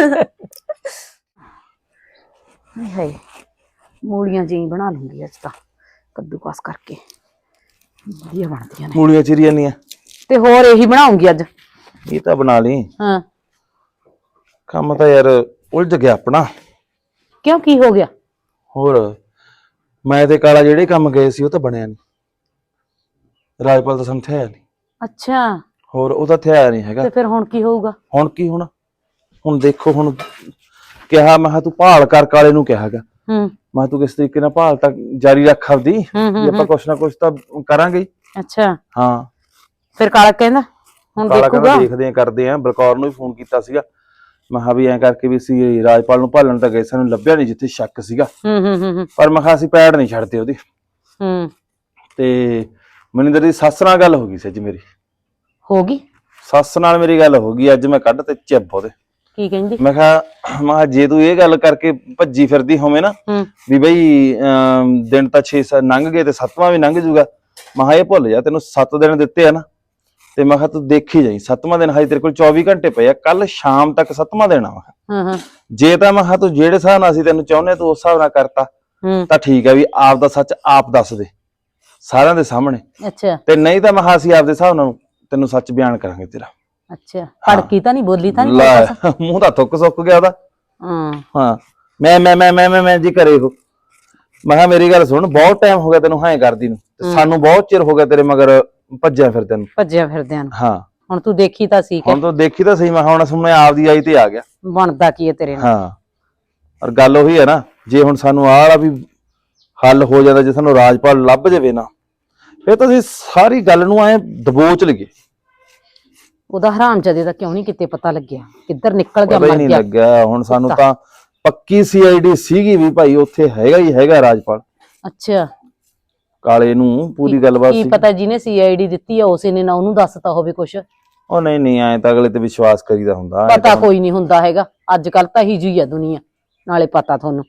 S5: ਹਾਏ ਮੂਲੀਆਂ ਜੀ ਬਣਾ ਲੂੰਗੀ ਅੱਜ ਤਾਂ, ਕੱਦੂਕਸ ਕਰਕੇ ਵਧੀਆ ਬਣਦੀਆਂ ਨੇ।
S9: ਮੂਲੀਆਂ ਚਿਰੀਆਂ ਨਹੀਂ
S5: ਤੇ ਹੋਰ ਇਹੀ ਬਣਾਉਂਗੀ ਅੱਜ।
S9: ਇਹ ਤਾਂ ਬਣਾ ਲਈ।
S5: ਹਾਂ
S9: ਕੰਮ ਤਾਂ ਯਾਰ ਉਲਝ ਗਿਆ ਆਪਣਾ।
S5: ਕਿਉਂ, ਕੀ ਹੋ ਗਿਆ?
S9: ਹੋਰ ਮੈਂ ਤੇ ਕਾਲਾ ਜਿਹੜੇ ਕੰਮ ਗਏ ਸੀ ਉਹ ਤਾਂ ਬਣਿਆ ਨਹੀਂ। ਰਾਜਪਾਲ ਤਾਂ ਸਮਝਿਆ ਨਹੀਂ।
S5: ਅੱਛਾ
S9: ਹੋਰ ਉਹ ਤਾਂ ਥਿਆ ਨਹੀਂ ਹੈਗਾ।
S5: ਤੇ ਫਿਰ ਹੁਣ ਕੀ ਹੋਊਗਾ?
S9: ਹੁਣ ਕੀ ਹੋਣਾ, ਹੁਣ ਦੇਖੋ, ਹੁਣ ਕਿਹਾ ਮੈਂ ਕਿਹਾ ਤੂੰ ਭਾਲ ਕਰ, ਕਾਲੇ ਨੂੰ ਕਿਹਾ ਹੈਗਾ
S5: ਹੂੰ
S9: ਮੈਂ ਕਿਹਾ ਤੂੰ ਕਿਸ ਤਰੀਕੇ ਨਾਲ ਭਾਲ ਤਾਂ ਜਾਰੀ ਰੱਖ ਆਪਦੀ, ਵੀ ਆਪਾਂ ਕੁਛ ਨਾ ਕੁਛ ਤਾਂ ਕਰਾਂਗੇ ਹੀ।
S5: ਅੱਛਾ
S9: ਹਾਂ
S5: ਫਿਰ ਕਾਲਾ ਕਹਿੰਦਾ ਹੁਣ
S9: ਕਾਲਾ
S5: ਦੇਖੂਗਾ।
S9: ਕਹਿੰਦਾ ਦੇਖਦੇ ਆ, ਕਰਦੇ ਆ। ਬਲਕੌਰ ਨੂੰ ਵੀ ਫੋਨ ਕੀਤਾ ਸੀਗਾ, ਮੈਂ ਕਿਹਾ ਵੀ ਐਂ ਕਰਕੇ ਵੀ ਸੀ ਰਾਜਪਾਲ ਨੂੰ ਭਾਲਣ ਤਾਂ ਗਏ, ਸਾਨੂੰ ਲੱਭਿਆ ਨਹੀਂ ਜਿੱਥੇ ਸ਼ੱਕ ਸੀਗਾ,
S5: ਹੂੰ ਹੂੰ ਹੂੰ ਹੂੰ
S9: ਪਰ ਮੈਂ ਕਿਹਾ ਅਸੀਂ ਪੈੜ ਨਹੀਂ ਛੱਡਦੇ ਉਹਦੀ।
S5: ਹੂੰ
S9: ਤੇ ਮਨਿੰਦਰ ਦੀ ਸੱਸ ਨਾਲ ਗੱਲ ਹੋ ਗਈ ਸੀ ਅੱਜ ਮੇਰੀ।
S5: ਹੋ ਗਈ?
S9: ਸੱਸ ਨਾਲ ਮੇਰੀ ਗੱਲ ਹੋ ਗਈ ਅੱਜ, ਮੈਂ ਕੱਢ ਤੇ ਚਿੱਬ ਉਹਦੇ।
S5: ਕੀ ਕਹਿੰਦੀ?
S9: ਮੈਂ ਕਿਹਾ ਮੈਂ ਕਿਹਾ ਜੇ ਤੂੰ ਇਹ ਗੱਲ ਕਰਕੇ ਭੱਜੀ ਫਿਰਦੀ ਹੋਵੇਂ ਨਾ
S5: ਹੂੰ
S9: ਵੀ ਬਈ ਅਮ, ਦਿਨ ਤਾਂ ਛੇ ਲੰਘ ਗਏ ਤੇ ਸੱਤਵਾਂ ਵੀ ਲੰਘ ਜੂਗਾ, ਮੈਂ ਕਿਹਾ ਇਹ ਭੁੱਲ ਜਾ, ਤੈਨੂੰ ਸੱਤ ਦਿਨ ਦਿੱਤੇ ਆ ਨਾ, ਤੇ ਮੈਂ ਕਿਹਾ ਤੂੰ ਦੇਖੀ ਜਾਈ, ਸੱਤਵਾਂ ਦਿਨ ਹਜੇ ਤੇਰੇ ਕੋਲ ਚੌਵੀ ਘੰਟੇ ਪਏ ਆ, ਕੱਲ ਸ਼ਾਮ ਤੱਕ ਸੱਤਵਾਂ ਦਿਨ ਆ। ਮੈਂ ਕਿਹਾ
S5: ਹਾਂ ਹਾਂ
S9: ਜੇ ਤਾਂ ਮੈਂ ਕਿਹਾ ਤੂੰ ਜਿਹੜੇ ਹਿਸਾਬ ਨਾਲ ਅਸੀਂ ਤੈਨੂੰ ਚਾਹੁੰਦੇ ਤੂੰ ਉਸ ਹਿਸਾਬ ਨਾਲ ਕਰਤਾ
S5: ਹੂੰ
S9: ਤਾਂ ਠੀਕ ਹੈ, ਵੀ ਆਪ ਦਾ ਸੱਚ ਆਪ ਦੱਸ ਦੇ ਸਾਰਿਆਂ ਦੇ ਸਾਹਮਣੇ,
S5: ਅੱਛਾ
S9: ਤੇ ਨਹੀਂ ਤਾਂ ਮੈਂ ਕਿਹਾ ਅਸੀਂ ਆਪਦੇ ਹਿਸਾਬ ਨਾਲ ਤੈਨੂੰ ਸੱਚ ਬਿਆਨ ਕਰਾਂਗੇ ਤੇਰਾ।
S5: ਅੱਛਾ ਭੜਕੀ ਤਾਂ ਨਹੀਂ, ਬੋਲੀ ਤਾਂ ਨਹੀਂ?
S9: ਲੈ ਮੂੰਹ ਤਾਂ ਥੁੱਕ ਸੁੱਕ ਗਿਆ ਉਹਦਾ।
S5: ਹਾਂ
S9: ਹਾਂ ਮੈਂ ਮੈਂ ਮੈਂ ਮੈਂ ਮੈਂ ਮੈਂ ਜੀ ਕਰੇ ਉਹ। ਮੈਂ ਕਿਹਾ ਮੇਰੀ ਗੱਲ ਸੁਣ, ਬਹੁਤ ਟਾਈਮ ਹੋ ਗਿਆ ਤੈਨੂੰ ਹਾਂ ਕਰਦੀ ਨੂੰ, ਤੇ ਸਾਨੂੰ ਬਹੁਤ ਚਿਰ ਹੋ ਗਿਆ ਤੇਰੇ ਮਗਰ ਭੱਜਿਆ ਫਿਰਦਿਆਂ ਨੂੰ।
S5: ਭੱਜਿਆ ਫਿਰਦਿਆਂ ਨੂੰ।
S9: ਹਾਂ
S5: ਹੁਣ ਤੂੰ ਦੇਖੀ ਤਾਂ ਸੀ ਕਿ
S9: ਹੁਣ ਤੂੰ ਦੇਖੀ ਤਾਂ ਸਹੀ, ਮੈਂ ਹੁਣ ਸੁਣਨੇ ਆਪਦੀ ਆਈ ਤੇ ਆ ਗਿਆ।
S5: ਬਣਦਾ ਕੀ ਹੈ ਤੇਰੇ ਨਾਲ?
S9: ਹਾਂ ਔਰ ਗੱਲ ਉਹੀ ਹੈ ਨਾ, ਜੇ ਹੁਣ ਸਾਨੂੰ ਆਹ ਵਾਲਾ ਵੀ ਹੱਲ ਹੋ ਜਾਂਦਾ, ਜੇ ਸਾਨੂੰ ਰਾਜਪਾਲ ਲੱਭ ਜਾਵੇ ਨਾ, ਫਿਰ ਤਾਂ ਅਸੀਂ ਸਾਰੀ ਗੱਲ ਨੂੰ ਐ ਦਬੋਚ ਲਈਏ।
S5: ਉਹਦਾ ਹਰਾਮਜ਼ਾਦੇ ਦਾ ਕਿਉਂ ਨਹੀਂ ਕਿਤੇ ਪਤਾ ਲੱਗਿਆ, ਕਿੱਧਰ ਨਿਕਲ ਗਿਆ,
S9: ਪਤਾ ਹੀ
S5: ਮਰ
S9: ਨਹੀਂ
S5: ਗਿਆ।
S9: ਲੱਗਿਆ। ਹੁਣ ਸਾਨੂੰ
S5: ਕੁੱਤਾ।
S9: ਤਾਂ ਪੱਕੀ ਸੀ ਆਈ ਡੀ ਸੀਗੀ ਵੀ ਭਾਈ ਉੱਥੇ ਹੈਗਾ ਹੀ ਹੈਗਾ ਰਾਜਪਾਲ।
S5: ਅੱਛਾ
S9: ਕਾਲੇ ਨੂੰ ਪੂਰੀ ਗੱਲਬਾਤ
S5: ਕੀ
S9: ਸੀ।
S5: ਪਤਾ ਜਿਹਨੇ ਸੀ ਆਈ ਡੀ ਦਿੱਤੀ ਆ ਉਸੇ ਨੇ ਨਾ ਉਹਨੂੰ ਦੱਸਤਾ ਹੋਵੇ ਕੁਛ।
S9: ਉਹ ਨਹੀਂ ਨਹੀਂ, ਐ ਤਾਂ ਅਗਲੇ ਤੇ ਵਿਸ਼ਵਾਸ ਕਰੀਦਾ ਹੁੰਦਾ। ਐਂ
S5: ਪਤਾ
S9: ਤਾਂ
S5: ਕੋਈ ਨਹੀਂ ਹੁੰਦਾ ਹੈਗਾ, ਅੱਜ ਕੱਲ ਤਾਂ ਹੀ ਜਿਹੀ ਆ ਦੁਨੀਆ, ਨਾਲੇ ਪਤਾ ਤੁਹਾਨੂੰ।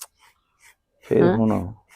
S9: ਫਿਰ ਹੁਣ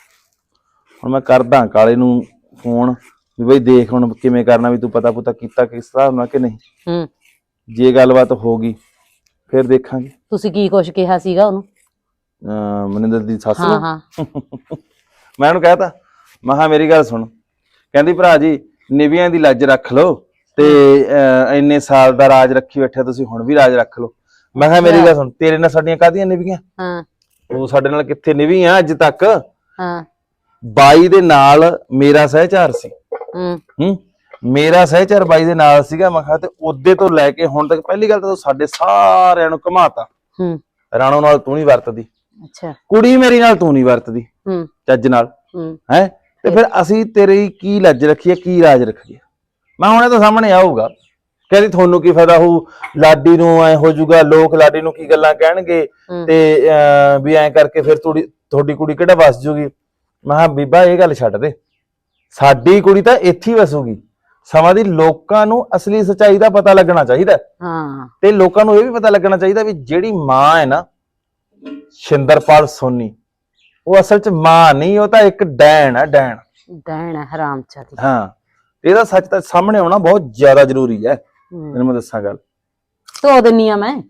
S9: ਹੁਣ ਮੈਂ ਕਰਦਾ ਕਾਲੇ ਨੂੰ ਫੋਨ ਵੀ ਬਈ ਦੇਖ ਹੁਣ ਕਿਵੇਂ ਕਰਨਾ, ਵੀ ਤੂੰ ਪਤਾ ਪੁਤਾ ਕੀਤਾ ਕਿਸ ਹਿਸਾਬ ਨਾਲ ਕਿ ਨਹੀਂ।
S5: ਹੂੰ
S9: ਜੇ ਗੱਲਬਾਤ ਹੋ ਗਈ ਫਿਰ ਦੇਖਾਂਗੇ।
S5: ਤੁਸੀਂ ਕੀ ਕੁਛ ਕਿਹਾ ਸੀਗਾ ਉਹਨੂੰ?
S9: ਅਹ ਮਨਿੰਦਰ ਦੀ ਸੱਸ
S5: ਹਾਂ
S9: ਨੂੰ
S5: ਹਾਂ
S9: ਮੈਂ ਉਹਨੂੰ ਕਹਿਤਾ, ਮੈਂ ਕਿਹਾ ਮੇਰੀ ਗੱਲ ਸੁਣ, ਕਹਿੰਦੀ ਭਰਾ ਜੀ ਨਿਵੀਆਂ ਦੀ ਲੱਜ ਰੱਖ ਲਓ, ਤੇ ਅਹ ਇੰਨੇ ਸਾਲ ਦਾ ਰਾਜ ਰੱਖੀ ਬੈਠਿਆ ਤੁਸੀਂ, ਹੁਣ ਵੀ ਰਾਜ ਰੱਖ ਲਓ। ਮੈਂ ਕਿਹਾ ਮੇਰੀ ਗੱਲ ਸੁਣ, ਤੇਰੇ ਨਾਲ ਸਾਡੀਆਂ ਕਾਹਦੀਆਂ ਨਿਵੀਆਂ?
S5: ਹਾਂ
S9: ਉਹ ਸਾਡੇ ਨਾਲ ਕਿੱਥੇ ਨਿਵੀ ਆ ਅੱਜ ਤੱਕ।
S5: ਹਾਂ
S9: ਬਾਈ ਦੇ ਨਾਲ ਮੇਰਾ ਸਹਿਚਾਰ ਸੀ।
S5: ਹੂੰ
S9: ਹੂੰ ਮੇਰਾ ਸਹਿਚਾਰ ਬਾਈ ਦੇ ਨਾਲ ਸੀਗਾ। ਮੈਂ ਕਿਹਾ ਤੇ ਉਹਦੇ ਤੋਂ ਲੈ ਕੇ ਹੁਣ ਤੱਕ ਪਹਿਲੀ ਗੱਲ ਤਾਂ ਸਾਡੇ ਸਾਰਿਆਂ ਨੂੰ ਘਮਾਤਾ।
S5: ਹੂੰ
S9: ਰਾਣੋ ਨਾਲ ਤੂੰ ਨਹੀਂ ਵਰਤਦੀ,
S5: ਅੱਛਾ
S9: ਕੁੜੀ ਮੇਰੀ ਨਾਲ ਤੂੰ ਨਹੀਂ ਵਰਤਦੀ
S5: ਹੂੰ
S9: ਚੱਜ ਨਾਲ,
S5: ਹੂੰ
S9: ਹੈ ਤੇ ਫਿਰ ਅਸੀਂ ਤੇਰੀ ਕੀ ਲੱਜ ਰੱਖੀਏ ਕੀ ਰਾਜ ਰੱਖੀਏ। ਮੈਂ ਹੁਣ ਇਹ ਤਾਂ ਸਾਹਮਣੇ ਆਊਗਾ, ਕਹਿੰਦੀ ਤੁਹਾਨੂੰ ਕੀ ਫਾਇਦਾ ਹੋਊ, ਲਾਡੀ ਨੂੰ ਐ ਹੋ ਜਾਊਗਾ, ਲੋਕ ਲਾਡੀ ਨੂੰ ਕੀ ਗੱਲਾਂ ਕਹਿਣਗੇ
S1: ਹੂੰ।
S9: ਤੇ ਅਹ, ਵੀ ਐਂ ਕਰਕੇ ਫਿਰ ਤੁਹਾਡੀ ਤੁਹਾਡੀ ਕੁੜੀ ਕਿਹੜਾ ਵਸ ਜੂਗੀ। ਮੈਂ ਕਿਹਾ ਬੀਬਾ ਇਹ ਗੱਲ ਛੱਡ ਦੇ, ਸਾਡੀ ਕੁੜੀ ਤਾਂ ਇੱਥੇ ਹੀ ਵਸੂਗੀ। ਸਮਾਂ ਦੀ ਲੋਕਾਂ ਨੂੰ ਅਸਲੀ ਸੱਚਾਈ ਦਾ ਪਤਾ ਲੱਗਣਾ ਚਾਹੀਦਾ
S1: ਹਾਂ
S9: ਤੇ ਲੋਕਾਂ ਨੂੰ ਇਹ ਵੀ ਪਤਾ ਲੱਗਣਾ ਚਾਹੀਦਾ ਵੀ ਜਿਹੜੀ ਮਾਂ ਹੈ ਨਾ ਸ਼ਿੰਦਰਪਾਲ ਸੋਨੀ, ਉਹ ਅਸਲ 'ਚ ਮਾਂ ਨਹੀਂ, ਉਹ ਤਾਂ ਇੱਕ ਡੈਣ ਹੈ, ਡੈਣ।
S1: ਡੈਣ ਹੈ ਹਰਾਮਚਾਦੀ।
S9: ਹਾਂ, ਇਹਦਾ ਸੱਚ ਤਾਂ ਸਾਹਮਣੇ ਆਉਣਾ ਬਹੁਤ ਜ਼ਿਆਦਾ ਜ਼ਰੂਰੀ ਹੈ।
S1: ਹੂੰ।
S9: ਤੈਨੂੰ ਮੈਂ ਦੱਸਾਂ ਗੱਲ।
S1: ਧੋ ਦਿੰਨੀ ਆ ਮੈਂ।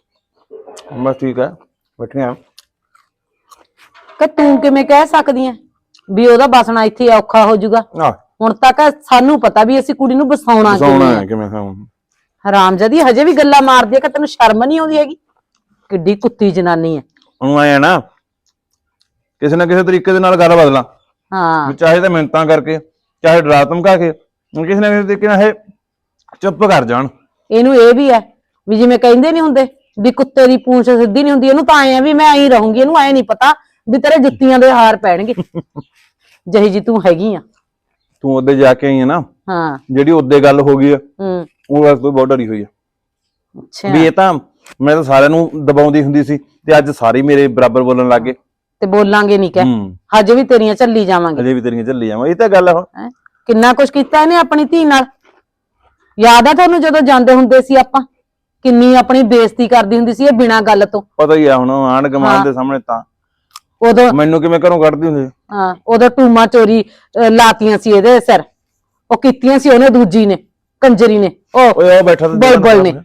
S9: ਬਸ ਠੀਕ ਹੈ, ਬੈਠੇ ਆ।
S1: ਕਿ ਤੂੰ ਕਿਵੇਂ ਕਹਿ ਸਕਦੀ ਐ ਵੀ ਉਹਦਾ ਬਸਣਾ ਇੱਥੇ ਔਖਾ ਹੋ ਜਾਊਗਾ।
S9: ਆਹ
S1: ਹੁਣ ਤੱਕ ਸਾਨੂੰ ਪਤਾ ਵੀ ਅਸੀਂ ਕੁੜੀ ਨੂੰ ਬਸਾਉਣਾ
S9: ਸੌਣਾ
S1: ਕਿਵੇਂ
S9: ਹੈ
S1: ਹੈ।
S9: ਕਿਵੇਂ ਖਾਉਂ।
S1: ਹਰਾਮਜ਼ਾਦੀ ਹਜੇ ਵੀ ਗੱਲਾਂ ਮਾਰਦੀ ਐ ਕਿ ਤੈਨੂੰ ਸ਼ਰਮ ਨਹੀਂ ਆਉਂਦੀ ਹੈਗੀ। ਕਿੱਡੀ ਕੁੱਤੀ ਜਨਾਨੀ ਐ।
S9: ਉਹਨੂੰ ਆਏ ਨਾ ਕਿਸੇ ਨਾ ਕਿਸੇ ਤਰੀਕੇ ਦੇ ਨਾਲ ਗੱਲ ਬਦਲਾਂ,
S1: ਹਾਂ
S9: ਵੀ ਚਾਹੇ ਤਾਂ ਮਿੰਨਤਾਂ ਕਰਕੇ, ਚਾਹੇ ਡਰਾ ਧਮਕਾ ਕੇ, ਕਿਸੇ ਨਾ ਕਿਸੇ ਤਰੀਕੇ ਨਾਲ ਇਹ ਚੁੱਪ ਕਰ ਜਾਣ।
S1: ਇਹਨੂੰ ਇਹ ਵੀ ਐ ਵੀ ਜਿਵੇਂ ਕਹਿੰਦੇ ਨਹੀਂ ਹੁੰਦੇ ਵੀ ਕੁੱਤੇ ਦੀ ਪੂੰਛ ਸਿੱਧੀ ਨਹੀਂ ਹੁੰਦੀ, ਇਹਨੂੰ ਤਾਂ ਐ ਆ ਵੀ ਮੈਂ ਐਂ ਰਹੂੰਗੀ। ਇਹਨੂੰ ਐ ਨਹੀਂ ਪਤਾ ਵੀ ਤੇਰੇ ਜੁੱਤੀਆਂ ਦੇ ਹਾਰ ਪੈਣਗੇ ਜਿਹੀ ਜੀ ਤੂੰ ਹੈਗੀ ਆ।
S9: ਤੂੰ ਉਹਦੇ ਜਾ ਕੇ ਆਈ ਹੈ ਨਾ,
S1: ਹਾਂ
S9: ਜਿਹੜੀ ਉਹਦੇ ਗੱਲ ਹੋ ਗਈ ਆ,
S1: ਹੂੰ
S9: ਉਹ ਵਾਸਤੇ ਬਹੁਤ ਡਰੀ ਹੋਈ ਆ
S1: ਅੱਛਾ
S9: ਵੀ ਇਹ ਤਾਂ ਮੈਂ ਤਾਂ ਸਾਰਿਆਂ ਨੂੰ ਦਬਾਉਂਦੀ ਹੁੰਦੀ ਸੀ ਤੇ ਅੱਜ ਸਾਰੇ ਮੇਰੇ ਬਰਾਬਰ ਬੋਲਣ ਲੱਗ ਗਏ।
S1: ਤੇ ਬੋਲਾਂਗੇ ਨਹੀਂ ਕਹਿ,
S9: ਹੂੰ,
S1: ਹਜੇ ਵੀ ਤੇਰੀਆਂ ਝੱਲੀ ਜਾਵਾਂਗੇ।
S9: ਅਜੇ ਵੀ ਤੇਰੀਆਂ ਝੱਲੀ ਜਾਵਾਂ, ਇਹ ਤਾਂ ਗੱਲ ਆ ਹੁਣ।
S1: ਹੈਂ? ਕਿੰਨਾ ਕੁਛ ਕੀਤਾ ਇਹਨੇ ਆਪਣੀ ਧੀ ਨਾਲ। ਯਾਦ ਆ ਤੁਹਾਨੂੰ ਜਦੋਂ ਜਾਂਦੇ ਹੁੰਦੇ ਸੀ ਆਪਾਂ, ਕਿੰਨੀ ਆਪਣੀ ਬੇਇੱਜ਼ਤੀ ਕਰਦੀ ਹੁੰਦੀ ਸੀ ਇਹ ਬਿਨਾਂ ਗੱਲ ਤੋਂ।
S9: ਪਤਾ ਹੀ ਆ ਹੁਣ ਆਂਢ
S1: ਹਾਂ।
S9: ਗੁਆਂਢ ਦੇ ਸਾਹਮਣੇ ਤਾਂ
S1: ਉਦੋਂ
S9: ਮੈਨੂੰ ਕਿਵੇਂ ਘਰੋਂ ਕੱਢਦੀ ਹੁੰਦੀ ਸੀ।
S1: ਹਾਂ ਉਦੋਂ ਟੂਮਾ ਚੋਰੀ ਅਹ, ਲਾਤੀਆਂ ਸੀ ਇਹਦੇ ਸਿਰ, ਉਹ ਕੀਤੀਆਂ ਸੀ ਉਹਨੇ ਦੂਜੀ ਨੇ, ਕੰਜਰੀ ਨੇ, ਉਹ
S9: ਓਏ ਉਹ ਬੈਠਾ ਤੇ
S1: ਬੁਲਬੁਲ ਨੇ,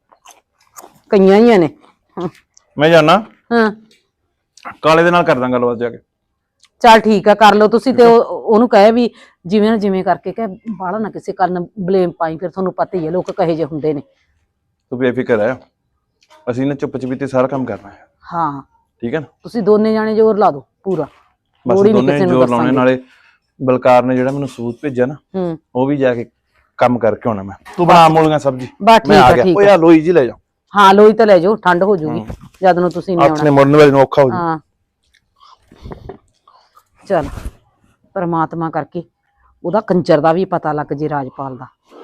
S1: ਕਈਆਂ ਹੀ ਨੇ। ਹਾਂ,
S9: ਮੈਂ ਜਾਣਾ
S1: ਹਾਂ
S9: ਕਾਲੇ ਦੇ ਨਾਲ ਕਰਦਾ ਗੱਲਬਾਤ ਜਾ ਕੇ।
S1: ਚੱਲ ਠੀਕ ਆ, ਕਰ ਲਓ ਤੁਸੀਂ। ਤੇ ਉਹ- ਉਹਨੂੰ ਕਹੇ ਵੀ ਜਿਵੇਂ ਨਾ ਜਿਵੇਂ ਕਰਕੇ ਕਹੇ ਬਾਹਲਾ ਨਾ ਕਿਸੇ ਕਰਨ ਬਲੇਮ ਪਾਈ, ਫਿਰ ਤੁਹਾਨੂੰ ਪਤਾ ਹੀ ਹੈ ਲੋਕ ਕਹੇ ਜੇ ਹੁੰਦੇ ਨੇ।
S9: ਤੂੰ ਬੇਫਿਕਰ ਹੈ, ਅਸੀਂ ਨਾ ਚੁੱਪ ਚਪੀਤੇ ਸਾਰਾ ਕੰਮ ਕਰਨਾ ਹੈ,
S1: ਹਾਂ
S9: ਠੀਕ ਹੈ ਨਾ।
S1: ਤੁਸੀਂ ਦੋਨੇ ਜਾਣੇ ਜ਼ੋਰ ਲਾ ਦਿਓ ਪੂਰਾ,
S9: ਬਸ
S1: ਲੋੜ ਹੀ ਨੀ
S9: ਦੋਨੇ
S1: ਕਿਸੇ ਨੂੰ
S9: ਜ਼ੋਰ ਲਾਉਣੇ।
S1: ਦੱਸਾਂਗੇ।
S9: ਨਾਲੇ ਬਲਕਾਰ ਨੇ ਜਿਹੜਾ ਮੈਨੂੰ ਸਬੂਤ ਭੇਜਿਆ ਨਾ,
S1: ਹੂੰ
S9: ਉਹ ਵੀ ਜਾ ਕੇ ਕੰਮ ਕਰਕੇ ਆਉਣਾ ਮੈਂ। ਤੂੰ ਬਣਾ ਮੂਲੀਆਂ ਸਬਜ਼ੀ,
S1: ਬਸ ਠੀਕ
S9: ਮੈਂ ਆ
S1: ਆ
S9: ਗਿਆ।
S1: ਠੀਕ
S9: ਓਏ
S1: ਆ।
S9: ਆ ਲੋਈ ਜੀ ਲੈ ਜਾ,
S1: ਹਾਂ ਲੋਈ ਤਾਂ ਲੈ ਜਾਓ, ਠੰਡ ਹੋ ਜੂਗੀ ਜਦ ਨੂੰ ਤੁਸੀਂ ਨਹੀਂ
S9: ਆਪਣੇ
S1: ਆਉਣਾ।
S9: ਮੁੜਨ ਵਾਲੇ ਨੂੰ ਔਖਾ ਹੋ ਜੂ।
S1: ਹਾਂ ਚਲ ਪਰਮਾਤਮਾ ਕਰਕੇ ਉਹਦਾ ਕੰਜਰ ਦਾ ਵੀ ਪਤਾ ਲੱਗ ਜੇ ਰਾਜਪਾਲ ਦਾ।